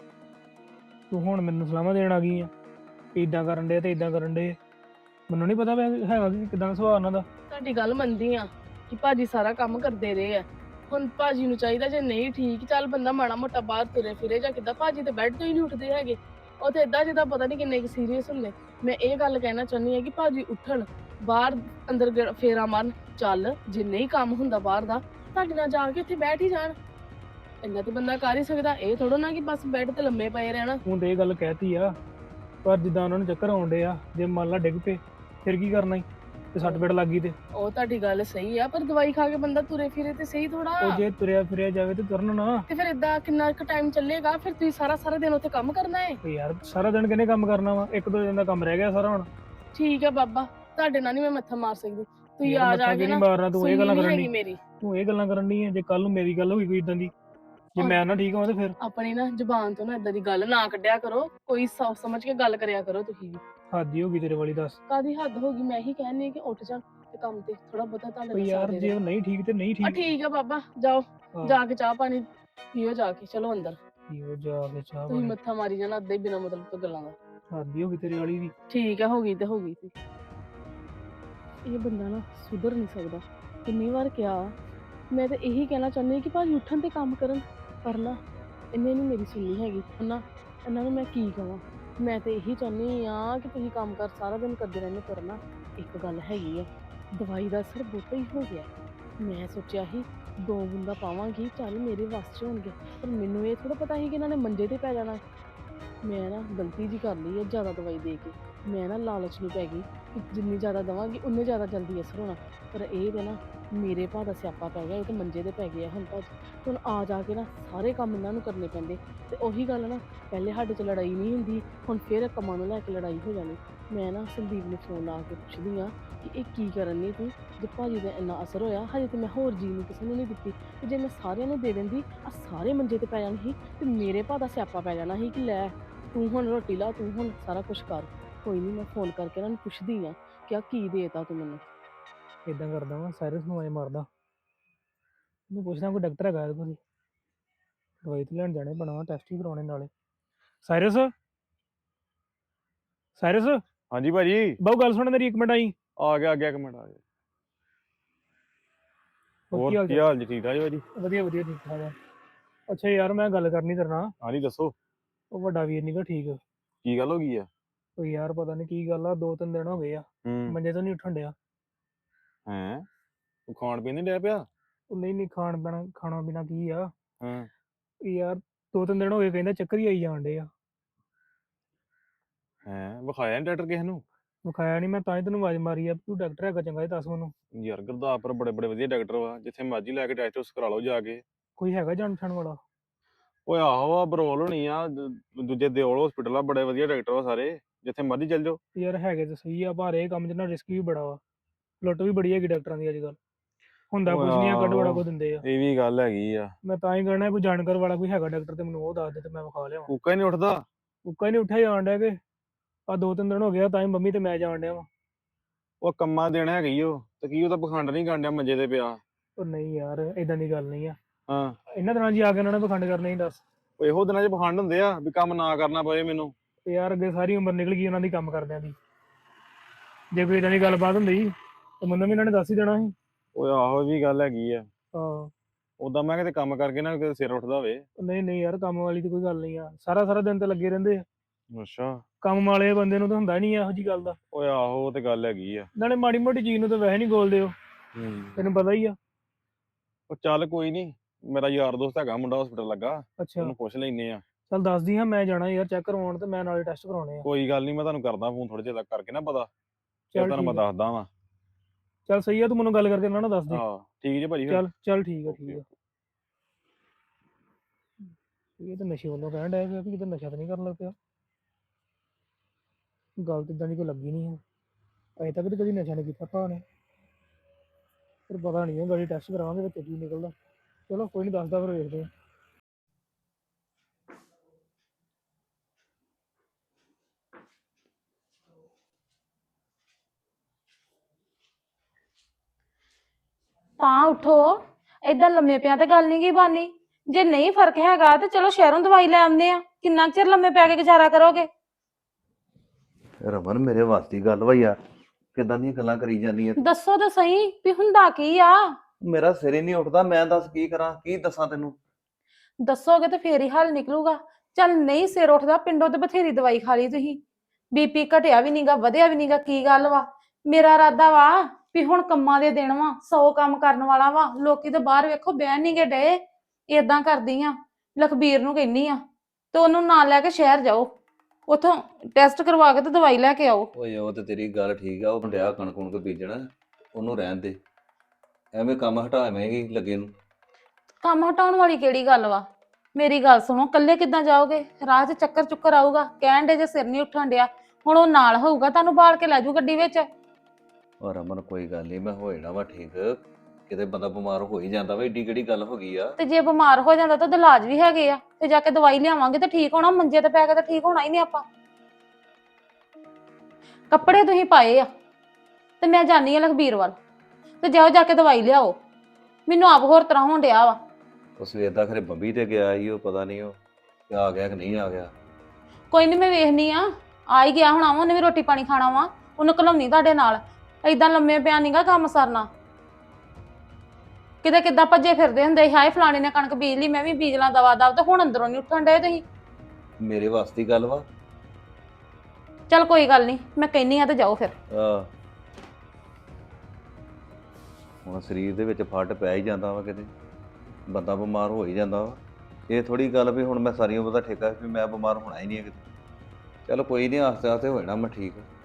S2: ਤੂੰ ਹੁਣ ਮੈਨੂੰ ਸਲਾਹਾਂ ਦੇਣ ਆ ਗਈ ਆ, ਇੱਦਾਂ ਕਰਨ ਦੇ ਤੇ ਇੱਦਾਂ ਕਰਨ ਦੇ। ਮੈਨੂੰ ਨਹੀਂ ਪਤਾ ਮੈਂ ਹੈਗਾ ਕਿ ਕਿਦਾਂ ਸੁਭਾਅ ਉਹਨਾਂ ਦਾ।
S3: ਤੁਹਾਡੀ ਗੱਲ ਮੰਨਦੀ ਆ ਕਿ ਭਾਜੀ ਸਾਰਾ ਕੰਮ ਕਰਦੇ ਰਹੇ ਆ, ਹੁਣ ਭਾਜੀ ਨੂੰ ਚਾਹੀਦਾ ਜੇ ਨਹੀਂ ਠੀਕ ਚੱਲ ਬੰਦਾ ਮਾੜਾ ਮੋਟਾ ਬਾਹਰ ਤੁਰੇ ਫਿਰੇ ਜਾਂ ਕਿੱਦਾਂ। ਭਾਜੀ ਤੇ ਬੈੱਡ ਤੋਂ ਹੀ ਨਹੀਂ ਉੱਠਦੇ ਹੈਗੇ, ਉਹ ਤੇ ਏਦਾਂ ਜਿੱਦਾਂ ਪਤਾ ਨਹੀਂ ਕਿੰਨੇ ਕੁ ਸੀਰੀਅਸ ਹੁੰਦੇ। ਮੈਂ ਇਹ ਗੱਲ ਕਹਿਣਾ ਚਾਹੁੰਦੀ ਹਾਂ ਕਿ ਭਾਜੀ ਉੱਠਣ, ਬਾਹਰ ਅੰਦਰ ਗੇ- ਫੇਰਾ ਮਾਰਨ, ਚੱਲ ਜੇ ਨਹੀਂ ਕੰਮ ਹੁੰਦਾ ਬਾਹਰ ਦਾ ਤੁਹਾਡੇ ਨਾਲ ਜਾ ਕੇ ਉੱਥੇ ਬੈਠ ਹੀ ਜਾਣ। ਇੰਨਾ ਤੇ ਬੰਦਾ ਕਰ ਹੀ ਸਕਦਾ, ਇਹ ਥੋੜੋ ਨਾ ਕਿ ਬਸ ਬੈੱਡ ਤੇ ਲੰਮੇ ਪਏ ਰਹਿਣਾ।
S2: ਹੁਣ ਤੇ ਇਹ ਗੱਲ ਕਹਿਤੀ ਆ, ਪਰ ਜਿੱਦਾਂ ਉਹਨਾਂ ਨੂੰ ਚੱਕਰ ਆਉਂਦੇ ਆ, ਜੇ ਮੰਨ ਲਾ ਡਿੱਗ ਪਏ ਫਿਰ ਕੀ ਕਰਨਾ ਈ, ਤੇ ਸੱਟ ਪੇਟ ਲੱਗ ਗਈ ਤੇ।
S3: ਉਹ ਤੁਹਾਡੀ ਗੱਲ ਸਹੀ ਆ, ਪਰ ਦਵਾਈ ਖਾ ਕੇ ਬੰਦਾ ਤੁਰੇ ਫਿਰੇ ਤੇ ਸਹੀ ਥੋੜਾ।
S2: ਉਹ ਜੇ ਤੁਰਿਆ ਫਿਰਿਆ ਜਾਵੇ ਤੇ ਤੁਰਨ ਨਾ।
S3: ਤੇ ਫਿਰ ਇਦਾਂ ਕਿੰਨਾ ਕੁ ਟਾਈਮ ਚੱਲੇਗਾ? ਫਿਰ ਤੁਸੀਂ ਸਾਰਾ ਸਾਰਾ ਦਿਨ ਉੱਥੇ ਕੰਮ ਕਰਨਾ ਹੈ।
S2: ਤੇ ਯਾਰ ਸਾਰਾ ਦਿਨ ਕਿਹਨੇ ਕੰਮ ਕਰਨਾ ਵਾ, ਇੱਕ ਦੋ ਦਿਨ ਦਾ ਕੰਮ ਰਹਿ ਗਿਆ ਸਾਰਾ ਹੁਣ।
S3: ਠੀਕ ਹੈ ਬਾਬਾ, ਤੁਹਾਡੇ ਨਾਲ ਨਹੀਂ ਮੈਂ ਮੱਥਾ ਮਾਰ ਸਕਦੀ, ਤੁਸੀਂ
S2: ਯਾਰ
S3: ਆ
S2: ਮੱਥਾ
S3: ਜਾ
S2: ਕਿਉਂ
S3: ਕੇ
S2: ਨੀ
S3: ਨਾ
S2: ਮਾਰਨਾ, ਤੂੰ ਇਹ
S3: ਸੁਣਨੀ
S2: ਗੱਲਾਂ
S3: ਨੀ
S2: ਕਰਨ
S3: ਹੈਗੀ
S2: ਦੀ
S3: ਮੇਰੀ।
S2: ਤੂੰ ਇਹ ਗੱਲਾਂ ਕਰਨ ਦੀ ਆ। ਜੇ ਕੱਲ ਨੂੰ ਮੇਰੀ ਗੱਲ ਹੋਈ ਕੋਈ ਇਦਾਂ ਦੀ, ਜੇ ਮੈਂ ਨਾ ਠੀਕ ਹਾਂ ਤੇ ਫਿਰ
S3: ਆਪਣੀ ਨਾ ਜ਼ੁਬਾਨ ਤੋਂ ਨਾ ਇਦਾਂ ਦੀ ਗੱਲ ਨਾ ਕੱਢਿਆ ਕਰੋ, ਕੋਈ ਸੋਚ ਸਮਝ ਕੇ ਗੱਲ ਕਰਿਆ ਕਰੋ। ਤੁਸੀਂ ਵੀ
S2: ਹੱਦ ਹੀ ਹੋ ਗਈ ਤੇਰੇ ਵਾਲੀ, ਦੱਸ।
S3: ਕਾਦੀ ਹੱਦ ਹੋ ਗਈ? ਮੈਂ ਹੀ ਕਹਿੰਨੀ ਕਿ ਉੱਠ ਜਾ ਤੇ ਕੰਮ ਤੇ ਥੋੜਾ ਬਹੁਤਾ ਤੁਹਾਡੇ
S2: ਕੋਈ
S3: ਨਾਲ
S2: ਯਾਰ
S3: ਸਾਥ ਦੇ
S2: ਜੇ
S3: ਦੇ।
S2: ਉਹ ਨਹੀਂ ਠੀਕ ਤੇ ਨਹੀਂ
S3: ਆ
S2: ਠੀਕ।
S3: ਠੀਕ ਹੈ ਬਾਬਾ, ਜਾਓ
S2: ਹਾਂ।
S3: ਜਾ ਕੇ ਚਾਹ ਪਾਣੀ ਪੀਓ, ਜਾ ਕੇ ਚਲੋ ਅੰਦਰ।
S2: ਕੀ ਉਹ ਜਾ ਕੇ ਚਾਹ
S3: ਤੁਸੀਂ
S2: ਪਾਣੀ,
S3: ਮੱਥਾ ਮਾਰੀ ਜਾਣਾ ਅੱਧੇ ਹੀ ਬਿਨਾਂ ਮਤਲਬ ਤੋਂ ਗੱਲਾਂ ਦਾ।
S2: ਹੱਦ ਹੀ ਹੋ ਗਈ ਤੇਰੇ ਵਾਲੀ ਵੀ।
S3: ਠੀਕ ਹੈ, ਹੋ ਗਈ ਤੇ ਹੋ ਗਈ ਸੀ। ਇਹ ਬੰਦਾ ਨਾ ਸੁਧਰ ਨਹੀਂ ਸਕਦਾ, ਕਿੰਨੀ ਵਾਰ ਕਿਹਾ। ਮੈਂ ਤਾਂ ਇਹੀ ਕਹਿਣਾ ਚਾਹੁੰਦੀ ਹਾਂ ਕਿ ਭਾਜੀ ਉੱਠਣ ਤੇ ਕੰਮ ਕਰਨ, ਪਰ ਨਾ ਇਹਨੇ ਨਹੀਂ ਮੇਰੀ ਸੁਣਨੀ ਹੈਗੀ। ਨਾ ਇਹਨਾਂ ਨੂੰ ਮੈਂ ਕੀ ਕਹਾਂ। ਮੈਂ ਤਾਂ ਇਹੀ ਚਾਹੁੰਦੀ ਹਾਂ ਕਿ ਤੁਸੀਂ ਕੰਮ ਕਰ ਸਾਰਾ ਦਿਨ ਕਰਦੇ ਰਹਿੰਦੇ, ਪਰ ਨਾ ਇੱਕ ਗੱਲ ਹੈਗੀ ਆ, ਦਵਾਈ ਦਾ ਅਸਰ ਬਹੁਤਾ ਹੀ ਹੋ ਗਿਆ। ਮੈਂ ਸੋਚਿਆ ਸੀ ਦੋ ਬੂੰਦਾਂ ਪਾਵਾਂਗੀ ਚੱਲ ਮੇਰੇ ਵੱਸ 'ਚ ਹੋਣਗੇ, ਪਰ ਮੈਨੂੰ ਇਹ ਥੋੜਾ ਪਤਾ ਸੀ ਕਿ ਇਹਨਾਂ ਨੇ ਮੰਜੇ ਤੇ ਪੈ ਜਾਣਾ। ਮੈਂ ਨਾ ਗਲਤੀ ਜੀ ਕਰ ਲਈ ਹੈ ਜ਼ਿਆਦਾ ਦਵਾਈ ਦੇ ਕੇ। ਮੈਂ ਨਾ ਲਾਲਚ ਨੂੰ ਪੈ ਗਈ ਕਿ ਜਿੰਨੀ ਜ਼ਿਆਦਾ ਦਵਾਂਗੀ ਉਨੇ ਜ਼ਿਆਦਾ ਜਲਦੀ ਅਸਰ ਹੋਣਾ, ਪਰ ਇਹ ਤੇ ਨਾ ਮੇਰੇ ਭਾ ਦਾ ਸਿਆਪਾ ਪੈ ਗਿਆ। ਇਹ ਤੇ ਮੰਜੇ ਤੇ ਪੈ ਗਿਆ ਹੁਣ ਭਾਜੀ। ਹੁਣ ਆ ਜਾ ਕੇ ਨਾ ਸਾਰੇ ਕੰਮ ਇਹਨਾਂ ਨੂੰ ਕਰਨੇ ਪੈਂਦੇ, ਤੇ ਉਹੀ ਗੱਲ ਨਾ, ਪਹਿਲੇ ਸਾਡੇ 'ਚ ਲੜਾਈ ਨਹੀਂ ਹੁੰਦੀ, ਹੁਣ ਫਿਰ ਕੰਮਾਂ ਨੂੰ ਲੈ ਕੇ ਲੜਾਈ ਹੋ ਜਾਣੀ। ਮੈਂ ਨਾ ਸੰਦੀਪ ਨੂੰ ਫੋਨ ਲਾ ਕੇ ਪੁੱਛਦੀ ਹਾਂ ਕਿ ਇਹ ਕੀ ਕਰਨ ਨਹੀਂ ਤੂੰ, ਜੇ ਭਾਜੀ ਦਾ ਇੰਨਾ ਅਸਰ ਹੋਇਆ। ਹਜੇ ਤੇ ਮੈਂ ਹੋਰ ਜੀ ਨੂੰ ਕਿਸੇ ਨੂੰ ਨਹੀਂ ਦਿੱਤੀ, ਤੇ ਜੇ ਮੈਂ ਸਾਰਿਆਂ ਨੂੰ ਦੇ ਦਿੰਦੀ ਆ ਸਾਰੇ ਮੰਜੇ ਤੇ ਪੈ ਜਾਣੇ ਸੀ, ਤੇ ਮੇਰੇ ਭਾ ਦਾ ਸਿਆਪਾ ਪੈ ਜਾਣਾ ਸੀ ਕਿ ਲੈ ਤੂੰ ਹੁਣ ਰੋਟੀ ਲਾ, ਤੂੰ ਹੁਣ ਸਾਰਾ ਕੁਛ ਕਰ। ਕੋਈ ਨਹੀਂ, ਮੈਂ ਫੋਨ ਕਰਕੇ ਇਹਨਾਂ ਨੂੰ ਪੁੱਛਦੀ ਹਾਂ ਕਿ ਆ ਕੀ ਦੇਤਾ ਤੂੰ ਮੈਨੂੰ।
S2: ਇਦਾਂ ਕਰਦਾ ਵਾਂ, ਸਾਇਰਸ ਨੂੰ ਆਏ ਮਾਰਦਾ, ਉਹਨੂੰ ਪੁੱਛਦਾ ਕੋਈ ਡਾਕਟਰ ਹੈਗਾ ਇਹਦੇ ਕੋਲ। ਦਵਾਈ ਤੇ ਲੈਣ ਜਾਣੇ ਪੈਣਾ, ਟੈਸਟ ਹੀ ਕਰਾਉਣੇ ਨਾਲੇ। ਸਾਇਰਸ, ਸਾਇਰਸ
S5: ਹਾਂਜੀ ਭਾਜੀ,
S2: ਬਹੁ ਗੱਲ ਸੁਣ ਮੇਰੀ, ਇੱਕ ਮਿੰਟ ਆਈ।
S5: ਆ ਗਿਆ ਆ ਗਿਆ, ਇੱਕ ਮਿੰਟ ਆ ਗਿਆ।
S2: ਹੋਰ ਕੀ
S5: ਹੋਰ
S2: ਹਾਲ
S5: ਕੀ
S2: ਚਾਲ?
S5: ਹਾਲ ਜੀ, ਠੀਕ ਠਾਕ ਜੀ ਭਾਜੀ?
S2: ਵਧੀਆ ਵਧੀਆ, ਠੀਕ ਠਾਕ ਆ। ਅੱਛਾ ਯਾਰ ਮੈਂ ਗੱਲ ਕਰਨੀ ਤੇਰੇ ਨਾਲ।
S5: ਹਾਂਜੀ ਦੱਸੋ,
S2: ਉਹ ਵੱਡਾ ਵੀਰ ਨੀਗਾ ਠੀਕ।
S5: ਕੀ ਗੱਲ ਹੋ ਗਈ ਆ?
S2: ਉਹ ਯਾਰ ਪਤਾ ਨਹੀਂ ਕੀ ਗੱਲ ਆ, ਦੋ ਤਿੰਨ ਦਿਨ ਹੋ ਗਏ ਆ
S5: ਹੂੰ।
S2: ਮੰਜੇ ਤੋਂ ਨਹੀਂ ਉੱਠਣ ਡਿਆ।
S5: ਹੈਂ, ਤੂੰ ਖਾਣ ਪੀਣ ਨਹੀਂ ਡਿਆ ਪਿਆ?
S2: ਉਹ ਨਹੀਂ ਨਹੀਂ, ਖਾਣ ਪੀਣਾ ਖਾਣਾ ਪੀਣਾ ਕੀ ਆ
S5: ਹਾਂ।
S2: ਯਾਰ, ਦੋ ਤਿੰਨ ਦਿਨ ਹੋ ਗਏ ਕਹਿੰਦਾ ਚੱਕਰ ਹੀ ਆਈ ਜਾਣ ਡੇ ਆ।
S5: ਹੈਂ, ਵਿਖਾਇਆ ਨੀ ਡਾਕਟਰ ਕਿਸੇ ਨੂੰ?
S2: ਵਿਖਾਇਆ ਨਹੀਂ, ਮੈਂ ਤਾਂ ਹੀ ਤੈਨੂੰ ਆਵਾਜ਼ ਮਾਰੀ ਆ, ਤੂੰ ਡਾਕਟਰ ਹੈਗਾ ਚੰਗਾ ਇਹ ਦੱਸ ਮੈਨੂੰ।
S5: ਯਾਰ ਗੁਰਦਾਸਪੁਰ ਬੜੇ ਬੜੇ ਵਧੀਆ ਡਾਕਟਰ ਵਾ, ਜਿੱਥੇ ਮਰਜ਼ੀ ਲੈ ਕੇ ਟੈਸਟ ਉਸ ਕਰਾ ਲਓ ਜਾ ਕੇ।
S2: ਕੋਈ ਹੈਗਾ ਜਾਣ ਪਛਾਣ ਵਾਲਾ?
S5: ਓਏ ਆਹੋ ਆ ਬਰੋਲ ਹੋਣੀ ਆ, ਦ- ਦੂਜੇ ਦਿਓਲ ਹਸਪੀਟਲ ਆ, ਬੜੇ ਵਧੀਆ ਡਾਕਟਰ ਵਾ ਸਾਰੇ। ਜਿੱਥੇ ਮਰਜ਼ੀ ਚੱਲ ਜਾਓ।
S2: ਯਾਰ ਹੈਗੇ ਤਾਂ ਸਹੀ ਆ, ਪਰ ਇਹ ਕੰਮ 'ਚ ਨਾ ਰਿਸਕ ਵੀ ਬੜਾ ਵਾ, ਲੁੱਟ ਵੀ ਬੜੀ ਹੈਗੀ ਡਾਕਟਰਾਂ ਦੀ ਅੱਜ ਕੱਲ੍ਹ। ਹੁੰਦਾ
S5: ਓਏ
S2: ਕੁਛ ਨਹੀਂ ਆ, ਕੱਢ ਬੜਾ
S5: ਆਹੋ,
S2: ਕੁਝ ਦਿੰਦੇ ਆ।
S5: ਇਹ ਵੀ ਗੱਲ ਹੈਗੀ ਆ।
S2: ਮੈਂ ਤਾਂ ਹੀ ਕਹਿਣਾ ਕੋਈ ਜਾਣਕਾਰ ਵਾਲਾ ਕੋਈ ਹੈਗਾ ਡਾਕਟਰ ਤੇ ਮੈਨੂੰ ਉਹ ਦੱਸ ਦੇ ਤੇ ਮੈਂ ਵਿਖਾ ਲਿਆਵਾਂ।
S5: ਕੂਕਾ ਹੀ ਨਹੀਂ ਉੱਠਦਾ।
S2: ਉੱਕਾ ਹੀ ਨਹੀਂ ਉੱਠਿਆ ਜਾਣ ਡਿਆ ਕਿ ਆ ਦੋ ਤਿੰਨ ਦਿਨ ਹੋ ਗਿਆ, ਤਾਂ ਹੀ ਮੰਮੀ ਤੇ ਮੈਂ ਜਾਣ ਡਿਆ ਵਾ।
S5: ਉਹ ਕੰਮਾਂ ਦੇਣਾ ਹੈਗਾ ਹੀ ਉਹ, ਤੇ ਕੀ ਉਹਦਾ ਪਖੰਡ ਨਹੀਂ ਕਾਂਡਿਆ ਮੰਜੇ ਤੇ ਪਿਆ।
S2: ਉਹ ਨਹੀਂ ਯਾਰ, ਇਦਾਂ ਦੀ ਗੱਲ ਨਹੀਂ ਆ।
S5: ਹਾਂ,
S2: ਇਹਨਾਂ ਦਿਨਾਂ 'ਚ ਹੀ ਆ ਕੇ ਉਹਨਾਂ ਨੇ ਪਖੰਡ ਕਰਨੇ ਹੀ ਦੱਸ।
S5: ਉਹ ਇਹੋ ਦਿਨਾਂ 'ਚ ਪਖੰਡ ਹੁੰਦੇ ਆ ਵੀ ਕੰਮ ਨਾ ਕਰਨਾ ਪਏ ਮੈਨੂੰ।
S2: ਤੇ ਯਾਰ ਅੱਗੇ ਸਾਰੀ ਉਮਰ ਨਿਕਲ ਗਈ ਉਹਨਾਂ ਦੀ ਕੰਮ ਕਰਦਿਆਂ ਦੀ, ਜੇ ਕੋਈ ਇਦਾਂ ਦੀ ਗੱਲਬਾਤ ਹੁੰਦੀ ਤਾਂ ਮੈਨੂੰ ਵੀ ਇਹਨਾਂ ਨੇ ਦੱਸ ਹੀ ਦੇਣਾ ਸੀ।
S5: ਓਏ ਆਹੋ, ਇਹ ਵੀ ਗੱਲ ਹੈਗੀ ਆ।
S2: ਹਾਂ
S5: ਉਦਾਂ ਮੈਂ ਕਿਤੇ ਕੰਮ ਕਰਕੇ ਨਾ ਕਿਤੇ ਸਿਰ ਉੱਠਦਾ ਹੋਵੇ।
S2: ਨਹੀਂ ਨਹੀਂ ਯਾਰ, ਕੰਮ ਵਾਲੀ ਤੇ ਕੋਈ ਗੱਲ ਨਹੀਂ ਆ, ਸਾਰਾ ਸਾਰਾ ਦਿਨ ਤੇ ਲੱਗੇ ਰਹਿੰਦੇ ਆ।
S5: ਅੱਛਾ।
S2: ਕੰਮ ਵਾਲੇ ਬੰਦੇ ਨੂੰ ਤਾਂ ਹੁੰਦਾ ਨਹੀਂ ਇਹੋ ਜੀ ਗੱਲ ਦਾ।
S5: ਓਏ ਆਹੋ, ਉਹ ਤੇ ਗੱਲ ਹੈਗੀ ਆ।
S2: ਨਾਲੇ ਮਾੜੀ ਮੋਟੀ ਚੀਜ਼ ਨੂੰ ਤਾਂ ਵੈਸੇ ਨਹੀਂ ਗੋਲਦੇ ਉਹ,
S5: ਹੂੰ।
S2: ਤੈਨੂੰ ਪਤਾ ਹੀ ਆ।
S5: ਉਹ ਚੱਲ ਕੋਈ ਨਹੀਂ, ਮੇਰਾ ਯਾਰ ਦੋਸਤ ਹੈਗਾ ਮੁੰਡਾ ਹਸਪੀਟਲ ਲੱਗਾ,
S2: ਅੱਛਾ
S5: ਉਹਨੂੰ ਪੁੱਛ ਲੈਨੇ ਆ।
S2: ਚੱਲ ਦੱਸਦੀ ਹਾਂ, ਮੈਂ ਜਾਣਾ ਯਾਰ ਚੈੱਕ ਕਰਵਾਉਣ, ਤੇ ਮੈਂ ਨਾਲੇ ਟੈਸਟ ਕਰਾਉਣੇ ਆ।
S5: ਕੋਈ ਗੱਲ ਨਹੀਂ, ਮੈਂ ਤੁਹਾਨੂੰ ਕਰਦਾ ਫੋਨ ਥੋੜੇ ਜਿਹਾ ਤੱਕ ਕਰਕੇ ਨਾ ਪਤਾ, ਫਿਰ
S2: ਚੱਲ
S5: ਤੁਹਾਨੂੰ ਮੈਂ
S2: ਠੀਕ ਆ।
S5: ਦੱਸਦਾ ਵਾਂ।
S2: ਚੱਲ ਸਹੀ ਆ, ਤੂੰ ਮੈਨੂੰ ਗੱਲ ਕਰਕੇ ਉਹਨਾਂ ਨੂੰ ਦੱਸ ਦੇ।
S5: ਹਾਂ ਠੀਕ ਜੇ ਭਾਜੀ ਫਿਰ।
S2: ਚੱਲ ਚੱਲ ਠੀਕ ਆ ਠੀਕ ਆ। ਇਹ ਤਾਂ ਨਸ਼ੇ ਵੱਲੋਂ ਕਹਿਣ ਡਿਆ ਪਿਆ ਵੀ ਕਿਤੇ ਨਸ਼ਾ ਤਾਂ ਨਹੀਂ ਕਰਨ ਲੱਗ ਪਿਆ। ਗੱਲ ਤਾਂ ਇਦਾਂ ਦੀ ਕੋਈ ਲੱਗੀ ਨਹੀਂ ਹੈ, ਅਜੇ ਤੱਕ ਤਾਂ ਕਦੀ ਨਸ਼ਾ ਨਹੀਂ ਕੀਤਾ ਭਾ ਨੇ। ਫਿਰ ਪਤਾ ਨਹੀਂ ਹੈ, ਗਾੜੀ ਟੈਸਟ ਕਰਾਵਾਂਗੇ ਵਿੱਚ ਕੀ ਨਿਕਲਦਾ। ਚਲੋ ਕੋਈ ਨਹੀਂ, ਦੱਸਦਾ ਫਿਰ ਵੇਖਦੇ ਹਾਂ।
S3: ਤਾਂ ਉਠੋ, ਏਦਾਂ ਲੰਮੇ ਪਿਆ ਤੇ ਗੱਲ ਨਹੀਂ ਕੀ ਬਾਨੀ। ਜੇ ਨਹੀਂ ਫਰਕ ਹੈਗਾ ਤੇ ਚਲੋ ਸ਼ਹਿਰੋਂ ਦਵਾਈ ਲੈ ਆਉਂਦੇ ਆ। ਕਿੰਨਾ ਕੁ ਚਿਰ ਲੰਮੇ ਪੈ ਕੇ ਗੁਜ਼ਾਰਾ ਕਰੋਗੇ?
S6: ਰਮਨ, ਮੇਰੇ ਵਾਸਤੇ ਹੀ ਗੱਲ ਵਾ ਯਾਰ, ਕਿੱਦਾਂ ਦੀਆਂ ਗੱਲਾਂ ਕਰੀ ਜਾਂਦੀਆਂ।
S3: ਦੱਸੋ ਤਾਂ ਸਹੀ ਵੀ ਹੁੰਦਾ ਕੀ ਆ।
S6: ਮੇਰਾ ਸਿਰ ਹੀ ਨਹੀਂ ਉੱਠਦਾ, ਮੈਂ ਦੱਸ ਕੀ ਕਰਾਂ, ਕੀ ਦੱਸਾਂ ਤੈਨੂੰ।
S3: ਦੱਸੋਗੇ ਤੇ ਫੇਰ ਹੀ ਹੱਲ ਨਿਕਲੂਗਾ। ਚੱਲ ਨਹੀਂ ਸਿਰ ਉੱਠਦਾ, ਪਿੰਡੋਂ ਤੇ ਬਥੇਰੀ ਦਵਾਈ ਖਾ ਲਈ ਤੁਸੀਂ, ਬੀਪੀ ਘਟਿਆ ਵੀ ਨਹੀਂਗਾ, ਵਧਿਆ ਵੀ ਨਹੀਂਗਾ, ਕੀ ਗੱਲ ਵਾ? ਮੇਰਾ ਇਰਾਦਾ ਵਾ ਵੀ ਹੁਣ ਕੰਮਾਂ ਦੇ ਦਿਨ ਵਾ, ਸੌ ਕੰਮ ਕਰਨ ਵਾਲਾ ਵਾ। ਲੋਕੀ ਤੇ ਬਾਹਰ ਵੇਖੋ ਬਹਿਣ ਨਹੀਂਗੇ ਡਏ। ਏਦਾਂ ਕਰਦੀ ਆ, ਲਖਬੀਰ ਨੂੰ ਕਹਿੰਨੀ ਆ ਤੇ ਉਹਨੂੰ ਨਾਲ ਲੈ ਕੇ ਸ਼ਹਿਰ ਜਾਓ, ਉਥੋਂ ਟੈਸਟ ਕਰਵਾ ਕੇ ਤੇ ਦਵਾਈ ਲੈ ਕੇ ਆਓ।
S6: ਓਏ ਉਹ ਤੇ ਤੇਰੀ ਗੱਲ ਠੀਕ ਆ, ਉਹ ਮੁੰਡਿਆ ਕਣਕ ਕੁਣਕ ਬੀਜਣ, ਉਹਨੂੰ ਰਹਿਣ ਦੇ, ਐਵੇਂ ਕੰਮ ਹਟਾਵੇਂਗੀ ਲੱਗੇ ਨੂੰ।
S3: ਕੰਮ ਹਟਾਉਣ ਵਾਲੀ ਕਿਹੜੀ ਗੱਲ ਵਾ? ਮੇਰੀ ਗੱਲ ਸੁਣੋ, ਕੱਲੇ ਕਿੱਦਾਂ ਜਾਓਗੇ? ਰਾਹ 'ਚ ਚੱਕਰ ਚੁੱਕਰ ਆਊਗਾ, ਕਹਿਣ ਦੇ ਜੇ ਸਿਰ ਨਹੀਂ ਉੱਠਣ ਡਿਆ। ਹੁਣ ਉਹ ਨਾਲ ਹੋਊਗਾ, ਤੁਹਾਨੂੰ ਬਾਲ ਕੇ ਲੈ ਜਾਊ ਗੱਡੀ ਵਿੱਚ।
S6: ਉਹ ਰਮਨ ਕੋਈ ਗੱਲ ਨਹੀਂ, ਮੈਂ ਹੋ ਜਾਣਾ ਵਾ ਠੀਕ, ਕਿਤੇ ਬੰਦਾ ਬਿਮਾਰ ਹੋ ਹੀ ਜਾਂਦਾ ਵਾ, ਏਡੀ ਕਿਹੜੀ ਗੱਲ ਹੋ ਗਈ ਆ।
S3: ਤੇ ਜੇ ਬਿਮਾਰ ਹੋ ਜਾਂਦਾ ਤਾਂ ਉਹਦੇ ਇਲਾਜ ਵੀ ਹੈਗੇ ਆ, ਤੇ ਜਾ ਕੇ ਦਵਾਈ ਲਿਆਵਾਂਗੇ ਤੇ ਠੀਕ ਹੋਣਾ। ਮੰਜੇ ਤੇ ਪੈ ਕੇ ਤਾਂ ਠੀਕ ਹੋਣਾ ਹੀ ਨਹੀਂ ਆਪਾਂ। ਕੱਪੜੇ ਤੁਸੀਂ ਪਾਏ ਆ ਤੇ ਮੈਂ ਜਾਨੀ ਆ ਲਖਬੀਰ ਵੱਲ, ਤੇ ਜਾਓ ਜਾ ਕੇ ਦਵਾਈ ਲਿਆਓ। ਮੈਨੂੰ ਆਪ ਹੋਰ ਤਰ੍ਹਾਂ ਹੋਣ ਡਿਆ ਵਾ।
S6: ਉਹ ਸਵੇਰ ਦਾ ਖਰੇ ਬੰਬੀ ਤੇ ਗਿਆ ਸੀ, ਉਹ ਪਤਾ ਨਹੀਂ ਉਹ ਆ ਗਿਆ ਕਿ ਨਹੀਂ ਆ ਗਿਆ।
S3: ਕੋਈ ਨਹੀਂ, ਮੈਂ ਵੇਖਨੀ ਆ, ਆ ਹੀ ਗਿਆ ਹੋਣਾ ਵਾ, ਉਹਨੇ ਵੀ ਰੋਟੀ ਪਾਣੀ ਖਾਣਾ ਵਾ, ਉਹਨੂੰ ਘਲਾਉਣੀ ਤੁਹਾਡੇ ਨਾਲ। ਏਦਾਂ ਲੰਮੇ ਪਿਆ ਨੀਗਾ ਕੰਮ ਸਰਨਾ। ਕਿਤੇ ਕਿੱਦਾਂ ਭੱਜੇ ਫਿਰਦੇ ਹੁੰਦੇ, ਹਾਏ ਫਲਾਣੇ ਨੇ ਕਣਕ ਬੀਜ ਲਈ, ਮੈਂ ਵੀ ਬੀਜ ਲਾਂ ਦਵਾ ਦਵ, ਤੇ ਹੁਣ ਅੰਦਰੋਂ ਨਹੀਂ ਉੱਠਣ ਡਏ ਤੁਸੀਂ।
S6: ਮੇਰੇ ਵਾਸਤੇ ਹੀ ਗੱਲ ਵਾ।
S3: ਚੱਲ ਕੋਈ ਗੱਲ ਨਹੀਂ, ਮੈਂ ਕਹਿੰਨੀ ਆ ਤੇ ਜਾਓ ਫਿਰ।
S6: ਆ ਹੁਣ ਸਰੀਰ ਦੇ ਵਿੱਚ ਫੱਟ ਪੈ ਹੀ ਜਾਂਦਾ ਵਾ, ਕਿਤੇ ਬੰਦਾ ਬਿਮਾਰ ਹੋ ਹੀ ਜਾਂਦਾ ਵਾ। ਇਹ ਥੋੜੀ ਗੱਲ ਵੀ ਹੁਣ ਮੈਂ ਸਾਰੀ ਉਮਰ ਦਾ ਠੇਕਾ ਵੀ ਮੈਂ ਬਿਮਾਰ ਹੋਣਾ ਹੀ ਨਹੀਂ ਹੈ ਕਿਤੇ। ਚਲੋ ਕੋਈ ਨਹੀਂ, ਆਸਤੇ ਆਸਤੇ ਹੋ ਜਾਣਾ ਮੈਂ ਠੀਕ।